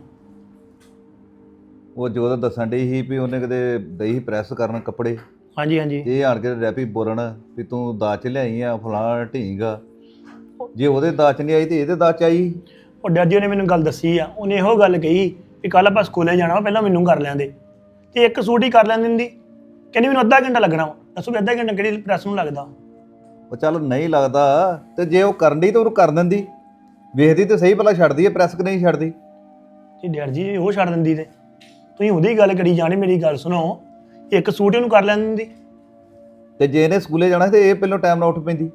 ਉਹ ਜੋ ਤਾਂ ਦੱਸਣ ਡਈ ਸੀ ਵੀ ਉਹਨੇ ਕਿਤੇ ਦਈ ਪ੍ਰੈਸ ਕਰਨ ਕੱਪੜੇ,
ਹਾਂਜੀ ਹਾਂਜੀ।
ਇਹ ਆਣ ਕੇ ਰੈਪੀ ਬੋਲਣ ਵੀ ਤੂੰ ਦਾਜ ਚ ਲਿਆਈ ਆ ਫਲਾਣਾ ਢੀਂਗਾ। ਜੇ ਉਹਦੇ ਦਾਜ ਚ ਨਹੀਂ ਆਈ ਤੇ ਇਹਦੇ ਦਾਜ ਚ ਆਈ।
ਉਹ ਡੈਡੀ ਜੀ ਨੇ ਮੈਨੂੰ ਗੱਲ ਦੱਸੀ ਆ, ਉਹਨੇ ਇਹੋ ਗੱਲ ਕਹੀ ਵੀ ਕੱਲ ਆਪਾਂ ਸਕੂਲੇ ਜਾਣਾ ਵਾ, ਪਹਿਲਾਂ ਮੈਨੂੰ ਕਰ ਲੈਂਦੇ ਤੇ ਇੱਕ ਸੂਟ ਹੀ ਕਰ ਲੈਣ ਦਿੰਦੀ। ਕਹਿੰਦੀ ਮੈਨੂੰ ਅੱਧਾ ਘੰਟਾ ਲੱਗਣਾ ਵਾ। ਦੱਸੋ ਵੀ ਅੱਧਾ ਘੰਟਾ ਕਿਹੜੀ ਪ੍ਰੈਸ ਨੂੰ ਲੱਗਦਾ?
ਉਹ ਚੱਲ ਨਹੀਂ ਲੱਗਦਾ ਤੇ ਜੇ ਉਹ ਕਰਨ ਡਈ ਤਾਂ ਉਹਨੂੰ ਕਰ ਦਿੰਦੀ, ਵੇਖਦੀ ਤੇ ਸਹੀ ਭਲਾ ਛੱਡਦੀ ਹੈ ਪ੍ਰੈਸ ਕਿ ਨਹੀਂ ਛੱਡਦੀ।
ਜੀ ਡੈਡੀ ਜੀ ਉਹ ਛੱਡ ਦਿੰਦੀ ਤੇ ਤੁਸੀਂ ਉਹਦੀ ਗੱਲ ਕਰੀ ਜਾਣੀ, ਮੇਰੀ ਗੱਲ ਸੁਣੋ, ਇੱਕ ਸੂਟ ਇਹਨੂੰ ਕਰ ਲੈਣ ਦਿੰਦੀ।
ਤੇ ਜੇ ਇਹਨੇ ਸਕੂਲੇ ਜਾਣਾ ਤੇ ਇਹ ਪਹਿਲਾਂ ਟਾਈਮ ਨਾਲ ਉੱਠ ਪੈਂਦੀ।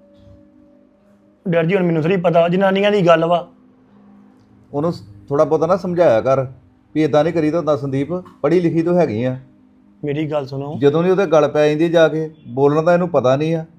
ਡੈਡੀ ਜੀ ਹੁਣ ਮੈਨੂੰ ਥੋੜੀ ਪਤਾ, ਜਨਾਨੀਆਂ ਦੀ ਗੱਲ ਵਾ।
ਉਹਨੂੰ ਥੋੜਾ ਬਹੁਤਾ ਨਾ ਸਮਝਾਇਆ ਕਰ ਵੀ ਇਦਾਂ ਨਹੀਂ ਕਰੀਦਾ ਹੁੰਦਾ। ਸੰਦੀਪ ਪੜ੍ਹੀ ਲਿਖੀ ਤੋਂ ਹੈਗੀ ਆ,
ਮੇਰੀ ਗੱਲ ਸੁਣੋ।
ਜਦੋਂ ਨਹੀਂ ਉਹਦੇ ਗੱਲ ਪੈ ਜਾਂਦੀ ਜਾ ਕੇ ਬੋਲਣ ਦਾ ਇਹਨੂੰ ਪਤਾ ਨਹੀਂ ਆ।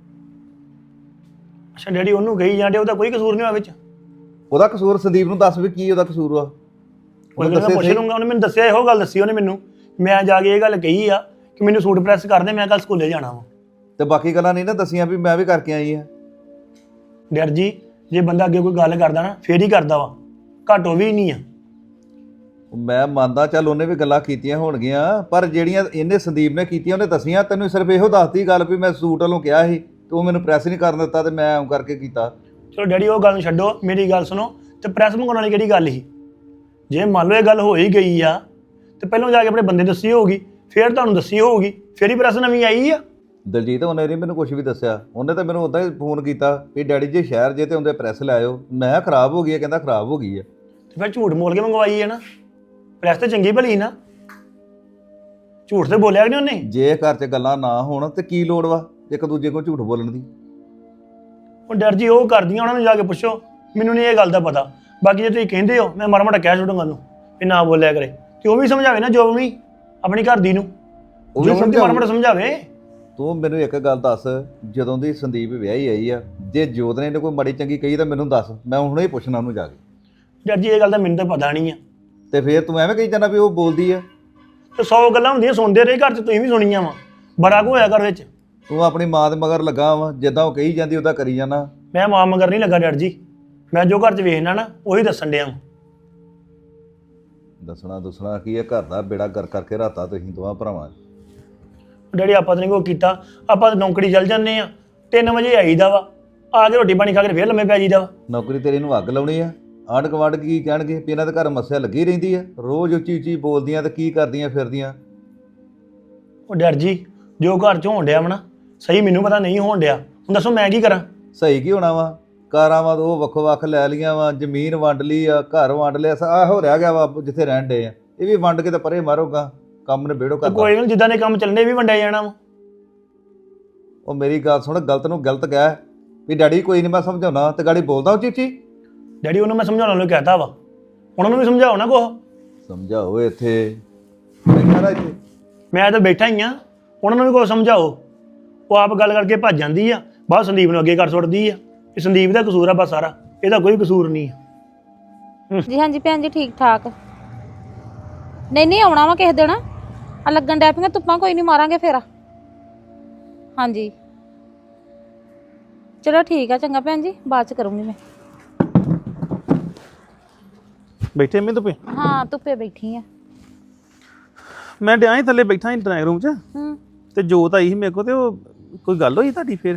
ਅੱਛਾ ਡੈਡੀ ਉਹਨੂੰ ਕਹੀ ਜਾਂਦੇ, ਉਹਦਾ ਕੋਈ ਕਸੂਰ ਨਹੀਂ ਹੋਇਆ ਵਿੱਚ।
ਉਹਦਾ ਕਸੂਰ ਸੰਦੀਪ ਨੂੰ ਦੱਸ ਵੀ ਕੀ ਉਹਦਾ ਕਸੂਰ ਆ।
ਉਹਨੂੰ ਪੁੱਛ ਲੂੰਗਾ, ਉਹਨੇ ਮੈਨੂੰ ਦੱਸਿਆ, ਇਹੋ ਗੱਲ ਦੱਸੀ ਉਹਨੇ ਮੈਨੂੰ। ਮੈਂ ਜਾ ਕੇ ਇਹ ਗੱਲ ਕਹੀ ਆ ਕਿ ਮੈਨੂੰ ਸੂਟ ਪ੍ਰੈਸ ਕਰ ਦੇ, ਮੈਂ ਕੱਲ ਸਕੂਲੇ ਜਾਣਾ ਵਾ।
ਤੇ ਬਾਕੀ ਗੱਲਾਂ ਨਹੀਂ ਨਾ ਦੱਸੀਆਂ ਵੀ ਮੈਂ ਵੀ ਕਰਕੇ ਆਈ ਆ।
ਡੈਡ ਜੀ ਜੇ ਬੰਦਾ ਅੱਗੇ ਕੋਈ ਗੱਲ ਕਰਦਾ ਨਾ ਫੇਰ ਹੀ ਕਰਦਾ ਵਾ, ਘੱਟ ਉਹ ਵੀ ਨਹੀਂ ਆ।
ਮੈਂ ਮੰਨਦਾ ਚੱਲ ਉਹਨੇ ਵੀ ਗੱਲਾਂ ਕੀਤੀਆਂ ਹੋਣਗੀਆਂ, ਪਰ ਜਿਹੜੀਆਂ ਇਹਨੇ ਸੰਦੀਪ ਨੇ ਕੀਤੀਆਂ ਉਹਨੇ ਦੱਸੀਆਂ ਤੈਨੂੰ ਸਿਰਫ ਇਹੋ ਦੱਸਦੀ ਗੱਲ ਵੀ ਮੈਂ ਸੂਟ ਵੱਲੋਂ ਕਿਹਾ ਸੀ ਤੇ ਉਹ ਮੈਨੂੰ ਪ੍ਰੈਸ ਨਹੀਂ ਕਰਨ ਦਿੱਤਾ ਤੇ ਮੈਂ ਐਂ ਕਰਕੇ ਕੀਤਾ।
ਚਲੋ ਡੈਡੀ ਉਹ ਗੱਲ ਨੂੰ ਛੱਡੋ, ਮੇਰੀ ਗੱਲ ਸੁਣੋ। ਤੇ ਪ੍ਰੈਸ ਮੰਗਾਉਣ ਵਾਲੀ ਕਿਹੜੀ ਗੱਲ ਸੀ? ਜੇ ਮੰਨ ਲਓ ਇਹ ਗੱਲ ਹੋ ਹੀ ਗਈ ਆ ਤੇ ਪਹਿਲਾਂ ਜਾ ਕੇ ਆਪਣੇ ਬੰਦੇ ਦੱਸੀ ਹੋਊਗੀ, ਫਿਰ ਤੁਹਾਨੂੰ ਦੱਸੀ ਹੋਊਗੀ, ਫਿਰ ਹੀ ਪ੍ਰੈਸ ਨਵੀਂ ਆਈ ਆ।
ਦਲਜੀਤ ਉਹਨੇ ਨਹੀਂ ਮੈਨੂੰ ਕੁਝ ਵੀ ਦੱਸਿਆ, ਉਹਨੇ ਤਾਂ ਮੈਨੂੰ ਉਦਾਂ ਹੀ ਫੋਨ ਕੀਤਾ ਵੀ ਡੈਡੀ ਜੀ ਸ਼ਹਿਰ ਜੇ ਤੇ ਉਹਦੇ ਪ੍ਰੈਸ ਲੈ ਆਇਓ। ਮੈਂ ਕਿਹਾ ਖਰਾਬ ਹੋ ਗਈ ਹੈ, ਕਹਿੰਦਾ ਖਰਾਬ ਹੋ ਗਈ ਹੈ।
ਤੇ ਫਿਰ ਝੂਠ ਬੋਲ ਕੇ ਮੰਗਵਾਈ ਹੈ ਨਾ, ਪ੍ਰੈਸ ਤੇ ਚੰਗੀ ਭਲੀ ਨਾ, ਝੂਠ ਤੇ ਬੋਲਿਆ ਕਿ ਨਹੀਂ ਉਹਨੇ?
ਜੇ ਘਰ 'ਚ ਗੱਲਾਂ ਨਾ ਹੋਣ ਤੇ ਕੀ ਲੋੜ ਵਾ ਇੱਕ ਦੂਜੇ ਕੋਲ ਝੂਠ ਬੋਲਣ ਦੀ।
ਉਹ ਡਰ ਜੀ ਉਹ ਕਰਦੀਆਂ, ਉਹਨਾਂ ਨੂੰ ਜਾ ਕੇ ਪੁੱਛੋ, ਮੈਨੂੰ ਨਹੀਂ ਇਹ ਗੱਲ ਦਾ ਪਤਾ। ਬਾਕੀ ਜੇ ਤੁਸੀਂ ਕਹਿੰਦੇ ਹੋ ਮੈਂ ਮਾੜਾ ਮਾੜਾ ਕਹਿ ਛੱਡੂੰਗਾ ਉਹਨੂੰ ਵੀ ਨਾ ਬੋਲਿਆ ਕਰੇ, ਤੇ ਉਹ ਵੀ ਸਮਝਾਵੇ ਨਾ ਜੋ ਵੀ ਆਪਣੀ ਘਰ ਦੀ ਨੂੰ,
ਉਹ ਵੀ
ਜੋ ਵੀ ਮਾੜਾ ਮਾੜਾ ਸਮਝਾਵੇ।
ਤੂੰ ਮੈਨੂੰ ਇੱਕ ਗੱਲ ਦੱਸ, ਜਦੋਂ ਦੀ ਸੰਦੀਪ ਵਿਆਹੀ ਆਈ ਆ, ਜੇ ਜੋਤ ਨੇ ਇਹਨੂੰ ਕੋਈ ਮਾੜੀ ਚੰਗੀ ਕਹੀ ਤਾਂ ਮੈਨੂੰ ਦੱਸ, ਮੈਂ ਹੁਣੇ ਹੀ ਪੁੱਛਣਾ ਉਹਨੂੰ ਜਾ ਕੇ।
ਡਰ ਜੀ ਇਹ ਗੱਲ ਤਾਂ ਮੈਨੂੰ ਤਾਂ ਪਤਾ ਨਹੀਂ ਆ।
ਤੇ ਫੇਰ ਤੂੰ ਐਵੇਂ ਕਹੀ ਜਾਂਦਾ ਵੀ ਉਹ ਬੋਲਦੀ ਆ।
ਤੇ 100 ਗੱਲਾਂ ਹੁੰਦੀਆਂ, ਸੁਣਦੇ ਰਹੇ ਘਰ 'ਚ, ਤੁਸੀਂ ਵੀ ਸੁਣੀਆਂ ਵਾ, ਬੜਾ ਕੁ ਹੋਇਆ ਘਰ ਵਿੱਚ।
ਤੂੰ ਆਪਣੀ ਮਾਂ ਦੇ ਮਗਰ ਲੱਗਾ ਵਾ, ਜਿੱਦਾਂ ਉਹ ਕਹੀ ਜਾਂਦੀ ਉਹਦਾ ਕਰੀ ਜਾਣਾ।
ਮੈਂ ਮਾਂ ਮਗਰ ਨਹੀਂ ਲੱਗਾ ਡਰ ਜੀ, ਮੈਂ ਜੋ ਘਰ 'ਚ ਵੇਖਣਾ ਨਾ ਉਹੀ ਦੱਸਣ ਡਿਆ ਵਾਂ।
ਦੱਸਣਾ ਕੀ ਹੈ, ਘਰ ਦਾ ਬੇੜਾ ਗਰ ਕਰਕੇ ਰਾਤਾ ਤੁਸੀਂ ਦੋਵਾਂ ਭਰਾਵਾਂ।
ਡੈਡੀ ਆਪਾਂ ਤਾਂ ਨਹੀਂ ਕੋਈ ਕੀਤਾ, ਆਪਾਂ ਤਾਂ ਨੌਕਰੀ ਚੱਲ ਜਾਂਦੇ ਆ, 3 ਵਜੇ ਆਈਦਾ ਵਾ, ਆ ਕੇ ਰੋਟੀ ਪਾਣੀ ਖਾ ਕੇ ਫੇਰ ਲੰਮੇ ਪੈ ਜਾਈਦਾ ਵਾ।
ਨੌਕਰੀ ਤੇਰੀ ਨੂੰ ਅੱਗ ਲਾਉਣੀ ਆ, ਆਂਢ ਗੁਆਂਢ ਕੀ ਕਹਿਣਗੇ ਵੀ ਇਹਨਾਂ ਦੇ ਘਰ ਮੱਸਿਆ ਲੱਗੀ ਰਹਿੰਦੀ ਆ, ਰੋਜ਼ ਉੱਚੀ ਉੱਚੀ ਬੋਲਦੀਆਂ ਤੇ ਕੀ ਕਰਦੀਆਂ ਫਿਰਦੀਆਂ।
ਉਹ ਡਰ ਜੀ ਜੋ ਘਰ 'ਚ ਹੋਣ ਡਿਆ ਵਾ ਨਾ, ਸਹੀ ਮੈਨੂੰ ਪਤਾ ਨਹੀਂ ਹੋਣ ਡਿਆ, ਹੁਣ ਦੱਸੋ ਮੈਂ ਕੀ ਕਰਾਂ?
ਸਹੀ ਕੀ ਹੋਣਾ ਵਾ, ਕਾਰਾਂ ਵਾ ਉਹ ਵੱਖੋ ਵੱਖ ਲੈ ਲੀਆਂ ਵਾ, ਜ਼ਮੀਨ ਵੰਡ ਲਈ ਆ, ਘਰ ਵੰਡ ਲਿਆ, ਆਹੋ ਰਹਿ ਗਿਆ ਵਾ ਜਿੱਥੇ ਰਹਿਣ ਡੇ ਆ। ਇਹ ਵੀ ਵੰਡ ਕੇ ਤਾਂ ਪਰੇ ਮਾਰੋਗਾ, ਕੰਮ ਨੇ ਬੇੜੋ ਕਰਦਾ।
ਕੋਈ ਨਹੀਂ, ਜਿੱਦਾਂ ਦੇ ਕੰਮ ਚੱਲਣੇ ਵੀ ਵੰਡਿਆ ਜਾਣਾ ਵਾ।
ਉਹ ਮੇਰੀ ਗੱਲ ਸੁਣ, ਗਲਤ ਨੂੰ ਗਲਤ ਕਹਿ ਵੀ ਡੈਡੀ ਕੋਈ ਨਹੀਂ ਮੈਂ ਸਮਝਾਉਣਾ, ਤੇ ਗਾੜੀ ਬੋਲਦਾ ਉੱਚੀ ਉੱਚੀ।
ਡੈਡੀ ਉਹਨੂੰ ਮੈਂ ਸਮਝਾਉਣ ਨੂੰ ਕਹਿਤਾ ਵਾ, ਉਹਨਾਂ ਨੂੰ ਵੀ ਸਮਝਾਓ ਨਾ ਕੁਛ।
ਸਮਝਾਓ ਇੱਥੇ ਬੈਠਾ ਰਹਿ ਇੱਥੇ।
ਮੈਂ ਤਾਂ ਬੈਠਾ ਹੀ ਆ, ਉਹਨਾਂ ਨੂੰ ਵੀ ਕੁਛ ਸਮਝਾਓ। ਉਹ ਆਪ ਗੱਲ ਕਰਕੇ ਭੱਜ ਜਾਂਦੀ ਆ, ਬਾਅਦ ਸੰਦੀਪ ਨੂੰ ਅੱਗੇ ਕਰ ਸੁੱਟਦੀ ਆ। ਇਹ ਸੰਦੀਪ ਦਾ ਕਸੂਰ ਆ ਬਸ ਸਾਰਾ, ਇਹਦਾ ਕੋਈ ਕਸੂਰ ਨਹੀਂ ਆ।
ਜੀ ਹਾਂਜੀ ਭੈਣ ਜੀ ਠੀਕ ਠਾਕ। ਨਹੀਂ ਆਉਣਾ ਵਾ ਕਿਸੇ ਦਿਨ ਆ ਲੱਗਣ ਡੈ ਪਈਆਂ ਧੁੱਪਾਂ, ਕੋਈ ਨਹੀਂ ਮਾਰਾਂਗੇ ਫੇਰ। ਹਾਂਜੀ ਚਲੋ ਠੀਕ ਆ, ਚੰਗਾ ਭੈਣ ਜੀ, ਬਾਅਦ ਚ ਕਰੂੰਗੀ ਮੈਂ।
ਬੈਠੇ ਮੈਂ ਧੁੱਪੇ?
ਹਾਂ ਧੁੱਪੇ ਬੈਠੀ ਆ।
ਮੈਂ ਡਿਆ ਹੀ ਥੱਲੇ ਬੈਠਾ ਸੀ ਡਰਾਇੰਗ ਰੂਮ 'ਚ,
ਹੂੰ
ਤੇ ਜੋਤ ਆਈ ਸੀ ਮੇਰੇ ਕੋਲ, ਤੇ ਉਹ ਕੋਈ ਗੱਲ ਹੋਈ ਤੁਹਾਡੀ ਫੇਰ?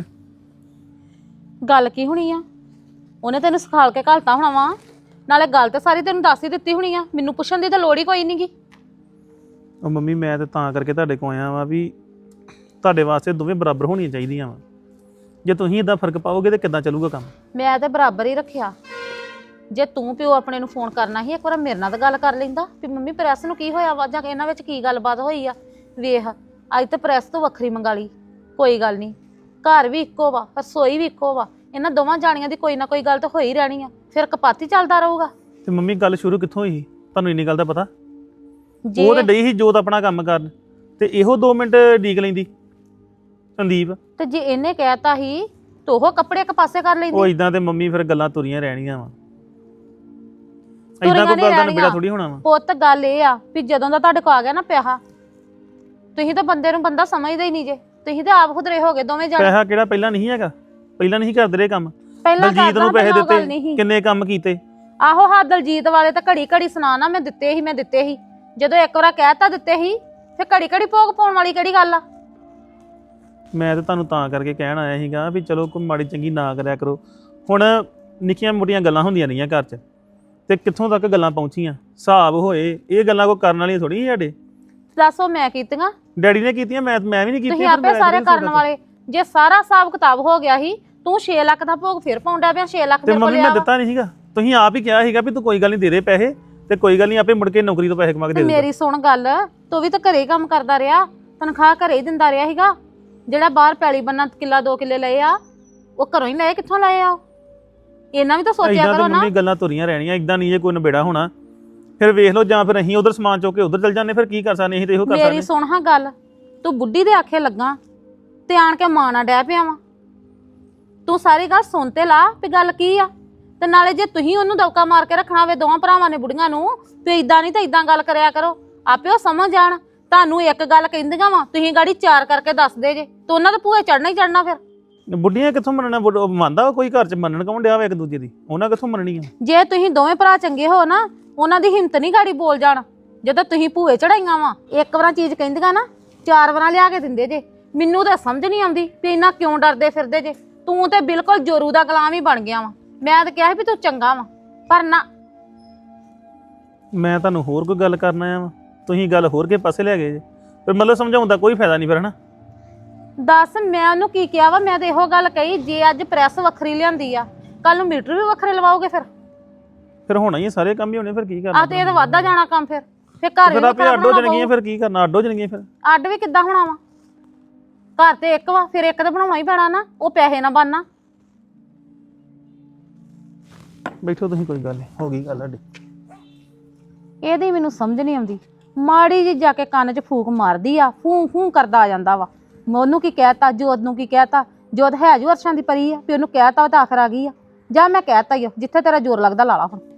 ਗੱਲ ਕੀ ਹੋਣੀ ਆ? ਉਹਨੇ ਤੈਨੂੰ ਸਿਖਾਲ ਕੇ ਘਲਤਾ ਹੋਣਾ ਵਾ, ਨਾਲੇ ਗੱਲ ਤੇ ਸਾਰੀ ਤੈਨੂੰ ਦੱਸ ਹੀ ਦਿੱਤੀ ਹੋਣੀ ਆ, ਮੈਨੂੰ ਪੁੱਛਣ ਦੀ ਤਾਂ ਲੋੜ ਹੀ ਕੋਈ ਨਹੀਂਗੀ।
ਉਹ ਮੰਮੀ ਮੈਂ ਤਾਂ ਕਰਕੇ ਤੁਹਾਡੇ ਕੋਲ ਆਇਆ ਵਾਂ ਵੀ ਤੁਹਾਡੇ ਵਾਸਤੇ ਦੋਵੇਂ ਬਰਾਬਰ ਹੋਣੀਆਂ ਚਾਹੀਦੀਆਂ ਵਾ। ਜੇ ਤੁਸੀਂ ਇਦਾਂ ਫਰਕ ਪਾਓਗੇ ਤੇ ਕਿੱਦਾਂ ਚੱਲੂਗਾ ਕੰਮ?
ਮੈਂ ਤੇ ਬਰਾਬਰ ਹੀ ਰੱਖਿਆ। ਜੇ ਤੂੰ ਪਿਓ ਆਪਣੇ ਨੂੰ ਫੋਨ ਕਰਨਾ ਸੀ, ਇੱਕ ਵਾਰ ਮੇਰੇ ਨਾਲ ਤਾਂ ਗੱਲ ਕਰ ਲੈਂਦਾ ਵੀ ਮੰਮੀ ਪ੍ਰੈਸ ਨੂੰ ਕੀ ਹੋਇਆ ਵਾ, ਜਾਂ ਇਹਨਾਂ ਵਿੱਚ ਕੀ ਗੱਲਬਾਤ ਹੋਈ ਆ। ਵੇਖ ਅੱਜ ਤੇ ਪ੍ਰੈਸ ਤੋਂ ਵੱਖਰੀ ਮੰਗਾ ਲਈ, ਕੋਈ ਗੱਲ ਨਹੀਂ, ਘਰ ਵੀ ਇੱਕੋ ਵਾ, ਰਸੋਈ ਵੀ ਇੱਕੋ ਵਾ, ਇਹਨਾਂ ਦੋਵਾਂ ਜਾਣੀਆਂ ਦੀ ਕੋਈ ਨਾ ਕੋਈ ਗੱਲ ਤਾਂ ਹੋਈ ਰਹਿਣੀ ਆ, ਫਿਰ ਕਪਾਤੀ ਚੱਲਦਾ ਰਹੂਗਾ।
ਤੇ ਮੰਮੀ ਗੱਲ ਸ਼ੁਰੂ ਕਿੱਥੋਂ ਹੋਈ? ਤੁਹਾਨੂੰ ਇੰਨੀ ਗੱਲ ਦਾ ਪਤਾ?
ਜੇ
ਉਹ ਤਾਂ ਡਈ ਸੀ ਜੋਤ ਆਪਣਾ ਕੰਮ ਕਰਨ, ਤੇ ਇਹੋ 2 ਮਿੰਟ ਡੀਕ ਲੈਂਦੀ ਸੰਦੀਪ।
ਤੇ ਜੇ ਇਹਨੇ ਕਹਿਤਾ ਸੀ ਤਾਂ ਉਹ ਕੱਪੜੇ ਇੱਕ ਪਾਸੇ ਕਰ
ਉਹ
ਲੈਂਦੀ।
ਇਦਾਂ ਤੇ ਮੰਮੀ ਫਿਰ ਗੱਲਾਂ ਤੁਰੀਆਂ ਰਹਿਣੀਆਂ ਵਾ,
ਤੁਰੀਆਂ
ਇਦਾਂ ਕੋਈ
ਨੀ
ਗੱਲ ਦਾ
ਰਹਿਣੀਆਂ।
ਨਿਬੇੜਾ ਥੋੜੀ ਹੋਣਾ ਵਾ।
ਪੁੱਤ ਗੱਲ ਇਹ ਆ ਵੀ ਜਦੋਂ ਦਾ ਤੁਹਾਡੇ ਕੋ ਆ ਗਿਆ ਨਾ ਪਿਆਹਾ, ਤੁਸੀਂ ਤਾਂ ਬੰਦੇ ਨੂੰ ਬੰਦਾ ਸਮਝਦੇ ਹੀ ਨਹੀਂ ਜੇ, ਤੁਸੀਂ ਤਾਂ ਆਪ ਖੁਦਰੇ ਹੋ ਗਏ ਦੋਵੇਂ ਜਾਣੇ।
ਪੈਸਾ ਕਿਹੜਾ ਪਹਿਲਾਂ ਨਹੀਂ ਹੈਗਾ? ਪਹਿਲਾਂ ਨਹੀਂ ਕਰਦੇ ਰਹੇ ਕੰਮ?
ਪਹਿਲਾਂ
ਦਲਜੀਤ ਨੂੰ ਪੈਸੇ
ਪਹਿਲਾਂ ਉਹ ਗੱਲ ਨਹੀਂ
ਦਿੱਤੇ,
ਸੀ।
ਕਿੰਨੇ ਕੰਮ ਕੀਤੇ।
ਆਹੋ ਹਾਂ ਦਲਜੀਤ ਵਾਲੇ ਤਾਂ ਘੜੀ ਘੜੀ ਸੁਣਾ ਮੈਂ ਦਿੱਤੇ ਸੀ, ਜਦੋਂ ਇੱਕ ਵਾਰ ਕਹਿਤਾ ਦਿੱਤੇ ਸੀ, ਫਿਰ ਘੜੀ ਘੜੀ ਭੋਗ ਪਾਉਣ ਵਾਲੀ ਕਿਹੜੀ ਗੱਲ ਆ?
ਮੈਂ ਤਾਂ ਤੁਹਾਨੂੰ ਤਾਂ ਕਰਕੇ ਕਹਿਣ ਆਇਆ ਸੀਗਾ ਵੀ ਚਲੋ ਕੋਈ ਮਾੜੀ ਚੰਗੀ ਨਾ ਕਰਿਆ ਕਰੋ। ਹੁਣ ਨਿੱਕੀਆਂ ਮੋਟੀਆਂ ਗੱਲਾਂ ਹੁੰਦੀਆਂ ਰਹੀਆਂ ਘਰ 'ਚ, ਤੇ ਕਿੱਥੋਂ ਤੱਕ ਗੱਲਾਂ ਪਹੁੰਚੀਆਂ, ਹਿਸਾਬ ਹੋਏ। ਇਹ ਗੱਲਾਂ ਕੋਈ ਕਰਨ ਵਾਲੀਆਂ ਥੋੜੀ ਸਾਡੇ।
ਦੱਸੋ ਮੈਂ ਕੀਤੀਆਂ?
ਡੈਡੀ ਨੇ ਕੀਤੀਆਂ, ਮੈਂ ਵੀ ਨਹੀਂ ਕੀਤੀਆਂ।
ਤੁਸੀਂ ਆਪੇ ਸਾਰੇ ਕਰਨ ਵਾਲੇ। ਜੇ ਸਾਰਾ ਹਿਸਾਬ ਕਿਤਾਬ ਹੋ ਗਿਆ ਸੀ, ਤੂੰ 6 ਲੱਖ ਦਾ ਭੋਗ ਫਿਰ ਪਾਉਂਦਾ ਪਿਆ, 6 ਲੱਖ
ਤੇ
ਮੇਰੇ ਕੋਲ
ਮੰਮੀ
ਲਿਆ
ਮੈਂ ਦਿੱਤਾ ਨਹੀਂ ਸੀਗਾ, ਤੁਸੀਂ ਆਪ ਹੀ ਕਿਹਾ ਸੀਗਾ ਵੀ ਤੂੰ ਕੋਈ ਗੱਲ ਨਹੀਂ ਦੇ ਦੇ ਪੈਸੇ, ਤੇ ਕੋਈ ਗੱਲ ਨਹੀਂ ਆਪੇ ਮੁੜ ਕੇ ਨੌਕਰੀ ਤੋਂ ਪੈਸੇ ਕਮਾ ਕੇ ਦੇ ਦੇ।
ਮੇਰੀ ਸੁਣ ਗੱਲ, ਤੂੰ ਵੀ ਤਾਂ ਘਰੇ ਹੀ ਕੰਮ ਕਰਦਾ ਰਿਹਾ, ਤਨਖਾਹ ਘਰੇ ਹੀ ਦਿੰਦਾ ਰਿਹਾ ਸੀਗਾ। ਜਿਹੜਾ ਬਾਹਰ ਪੈਲੀ ਬੰਨਾ ਕਿੱਲਾ 2 ਕਿੱਲੇ ਲਏ ਆ, ਉਹ ਘਰੋਂ ਹੀ ਲਏ, ਕਿੱਥੋਂ ਲਏ ਆ? ਇਹਨਾਂ ਵੀ ਤਾਂ ਸੋਚਿਆ
ਏਦਾਂ
ਕਰੋ
ਤਾਂ
ਨਾ।
ਮੰਮੀ ਗੱਲਾਂ ਤੁਰੀਆਂ ਰਹਿਣੀਆਂ, ਇਦਾਂ ਨਹੀਂ ਜੇ ਕੋਈ ਨਿਬੇੜਾ ਹੋਣਾ। ਫਿਰ ਵੇਖ ਲਓ, ਜਾਂ ਫਿਰ ਅਸੀਂ ਉਧਰ ਸਮਾਨ ਚੁੱਕ ਕੇ ਉਧਰ ਚੱਲ ਜਾਂਦੇ, ਫਿਰ ਕੀ ਕਰ ਸਕਦੇ? ਅਸੀਂ ਤੇ ਇਹੋ ਕਰ
ਮੇਰੀ
ਸਕਦੇ।
ਸੁਣ ਹਾਂ ਗੱਲ, ਤੂੰ ਬੁੱਢੀ ਦੇ ਆਖੇ ਲੱਗਾ ਤੇ ਆਣ ਕੇ ਮਾਂ ਨਾਲ ਡਹਿ ਪਿਆ ਵਾ। ਤੂੰ ਸਾਰੀ ਗੱਲ ਸੁਣ ਤੇ ਲਾ ਵੀ ਗੱਲ ਕੀ ਆ। ਤੇ ਨਾਲੇ ਜੇ ਤੁਸੀਂ ਉਹਨੂੰ ਦੌਕਾ ਮਾਰ ਕੇ ਰੱਖਣਾ ਹੋਵੇ ਦੋਵਾਂ ਭਰਾਵਾਂ ਨੇ ਬੁੜੀਆਂ ਨੂੰ, ਵੀ ਇਦਾਂ ਨਹੀਂ ਤਾਂ ਇਦਾਂ ਗੱਲ ਕਰਿਆ ਕਰੋ, ਆਪੇ ਉਹ ਸਮਝ ਜਾਣ। ਤੁਹਾਨੂੰ ਇੱਕ ਗੱਲ ਕਹਿੰਦੀਆਂ ਵਾ, ਤੁਸੀਂ ਗਾੜੀ 4 ਕਰਕੇ ਦੱਸਦੇ ਜੇ, ਤੇ ਉਹਨਾਂ ਦੇ ਭੂਏ ਚੜਨਾ ਹੀ ਚੜਨਾ। ਫਿਰ
ਬੁੱਢੀਆਂ ਕਿੱਥੋਂ ਮੰਨਣਾ? ਮੰਨਦਾ ਕੋਈ ਘਰ 'ਚ ਮੰਨਣ ਕੌਣ ਡਿਆ ਵਾ ਇੱਕ ਦੂਜੇ ਦੀ? ਉਹਨਾਂ ਕਿੱਥੋਂ ਮੰਨਣੀ ਆ?
ਜੇ ਤੁਸੀਂ ਦੋਵੇਂ ਭਰਾ ਚੰਗੇ ਹੋ ਨਾ, ਉਹਨਾਂ ਦੀ ਹਿੰਮਤ ਨਹੀਂ ਗਾੜੀ ਬੋਲ ਜਾਣ। ਜਦੋਂ ਤੁਸੀਂ ਭੂਏ ਚੜਾਈਆਂ ਵਾ, ਇੱਕ ਵਾਰਾਂ ਚੀਜ਼ ਕਹਿੰਦੀਆਂ ਨਾ 4 ਵਾਰਾਂ ਲਿਆ ਕੇ ਦਿੰਦੇ ਜੇ। ਮੈਨੂੰ ਤਾਂ ਸਮਝ ਨਹੀਂ ਆਉਂਦੀ ਵੀ ਇੰਨਾ ਕਿਉਂ ਡਰਦੇ ਫਿਰਦੇ ਜੇ। ਤੂੰ ਤੇ ਬਿਲਕੁਲ ਜੋਰੂ ਦਾ ਗੁਲਾਮ ਹੀ ਬਣ ਗਿਆ ਵਾ। ਮੈਂ ਤਾਂ ਕਿਹਾ ਸੀ ਵੀ ਤੂੰ ਚੰਗਾ ਵਾ, ਪਰ ਨਾ।
ਮੈਂ ਤੁਹਾਨੂੰ ਹੋਰ ਕੋਈ ਗੱਲ ਕਰਨ ਆਇਆ ਵਾ, ਤੁਸੀਂ ਗੱਲ ਹੋਰ ਕੇ ਪਾਸੇ ਲੈ ਗਏ ਜੇ। ਫਿਰ ਮਤਲਬ ਸਮਝਾਉਣ ਦਾ ਕੋਈ ਫਾਇਦਾ ਨਹੀਂ ਫਿਰ, ਹਨਾ?
ਦੱਸ ਮੈਂ ਉਹਨੂੰ ਕੀ ਕਿਹਾ ਵਾ? ਮੈਂ ਤਾਂ ਇਹੋ ਗੱਲ ਕਹੀ, ਜੇ ਅੱਜ ਪ੍ਰੈਸ ਵੱਖਰੀ ਲਿਆਂਦੀ ਆ, ਕੱਲ ਨੂੰ ਮੀਟਰ ਵੀ ਵੱਖਰੇ ਲਵਾਓਗੇ। ਫਿਰ
ਹੋਣਾ ਹੀ, ਸਾਰੇ ਕੰਮ ਹੀ ਹੋਣੇ, ਫਿਰ ਕੀ ਕਰਨਾ?
ਆ ਤੇ ਇਹ ਤਾਂ ਵਾਧਾ ਜਾਣਾ ਕੰਮ। ਫਿਰ ਘਰ ਵੀ
ਆਪੇ ਅੱਡ ਹੋ ਜਾਣਗੀਆਂ, ਫਿਰ ਕੀ ਕਰਨਾ? ਅੱਡ ਹੋ ਜਾਣਗੀਆਂ ਫਿਰ।
ਅੱਡ ਵੀ ਕਿੱਦਾਂ ਹੋਣਾ ਵਾ? ਘਰ ਤੇ ਇੱਕ ਵਾ, ਫਿਰ ਇੱਕ ਤਾਂ ਬਣਾਉਣਾ ਹੀ ਪੈਣਾ ਨਾ, ਉਹ ਪੈਸੇ ਨਾ ਬਣਨਾ।
ਬੈਠੋ ਤੁਸੀਂ, ਕੋਈ ਗੱਲ ਨਹੀਂ, ਹੋ ਗਈ ਗੱਲ ਸਾਡੀ।
ਇਹਦੀ ਮੈਨੂੰ ਸਮਝ ਨਹੀਂ ਆਉਂਦੀ। ਮਾੜੀ ਜੀ ਜਾ ਕੇ ਕੰਨ 'ਚ ਫੂਕ ਮਾਰਦੀ ਆ, ਫੂੰ ਫੂੰ ਕਰਦਾ ਆ ਜਾਂਦਾ ਵਾ। ਮੈਂ ਉਹਨੂੰ ਕੀ ਕਹਿਤਾ, ਜੋਤ ਨੂੰ ਕੀ ਕਹਿਤਾ? ਜੋਤ ਹੈ ਜੋ ਅਰਸ਼ਾਂ ਦੀ ਪਰੀ ਆ, ਵੀ ਉਹਨੂੰ ਕਹਿਤਾ ਵਾ ਤਾਂ ਆਖਰ ਆ ਗਈ ਆ। ਜਾਂ ਮੈਂ ਕਹਿਤਾ ਹੀ ਆ, ਜਿੱਥੇ ਤੇਰਾ ਜ਼ੋਰ ਲੱਗਦਾ ਲਾ ਲਾ ਹੁਣ।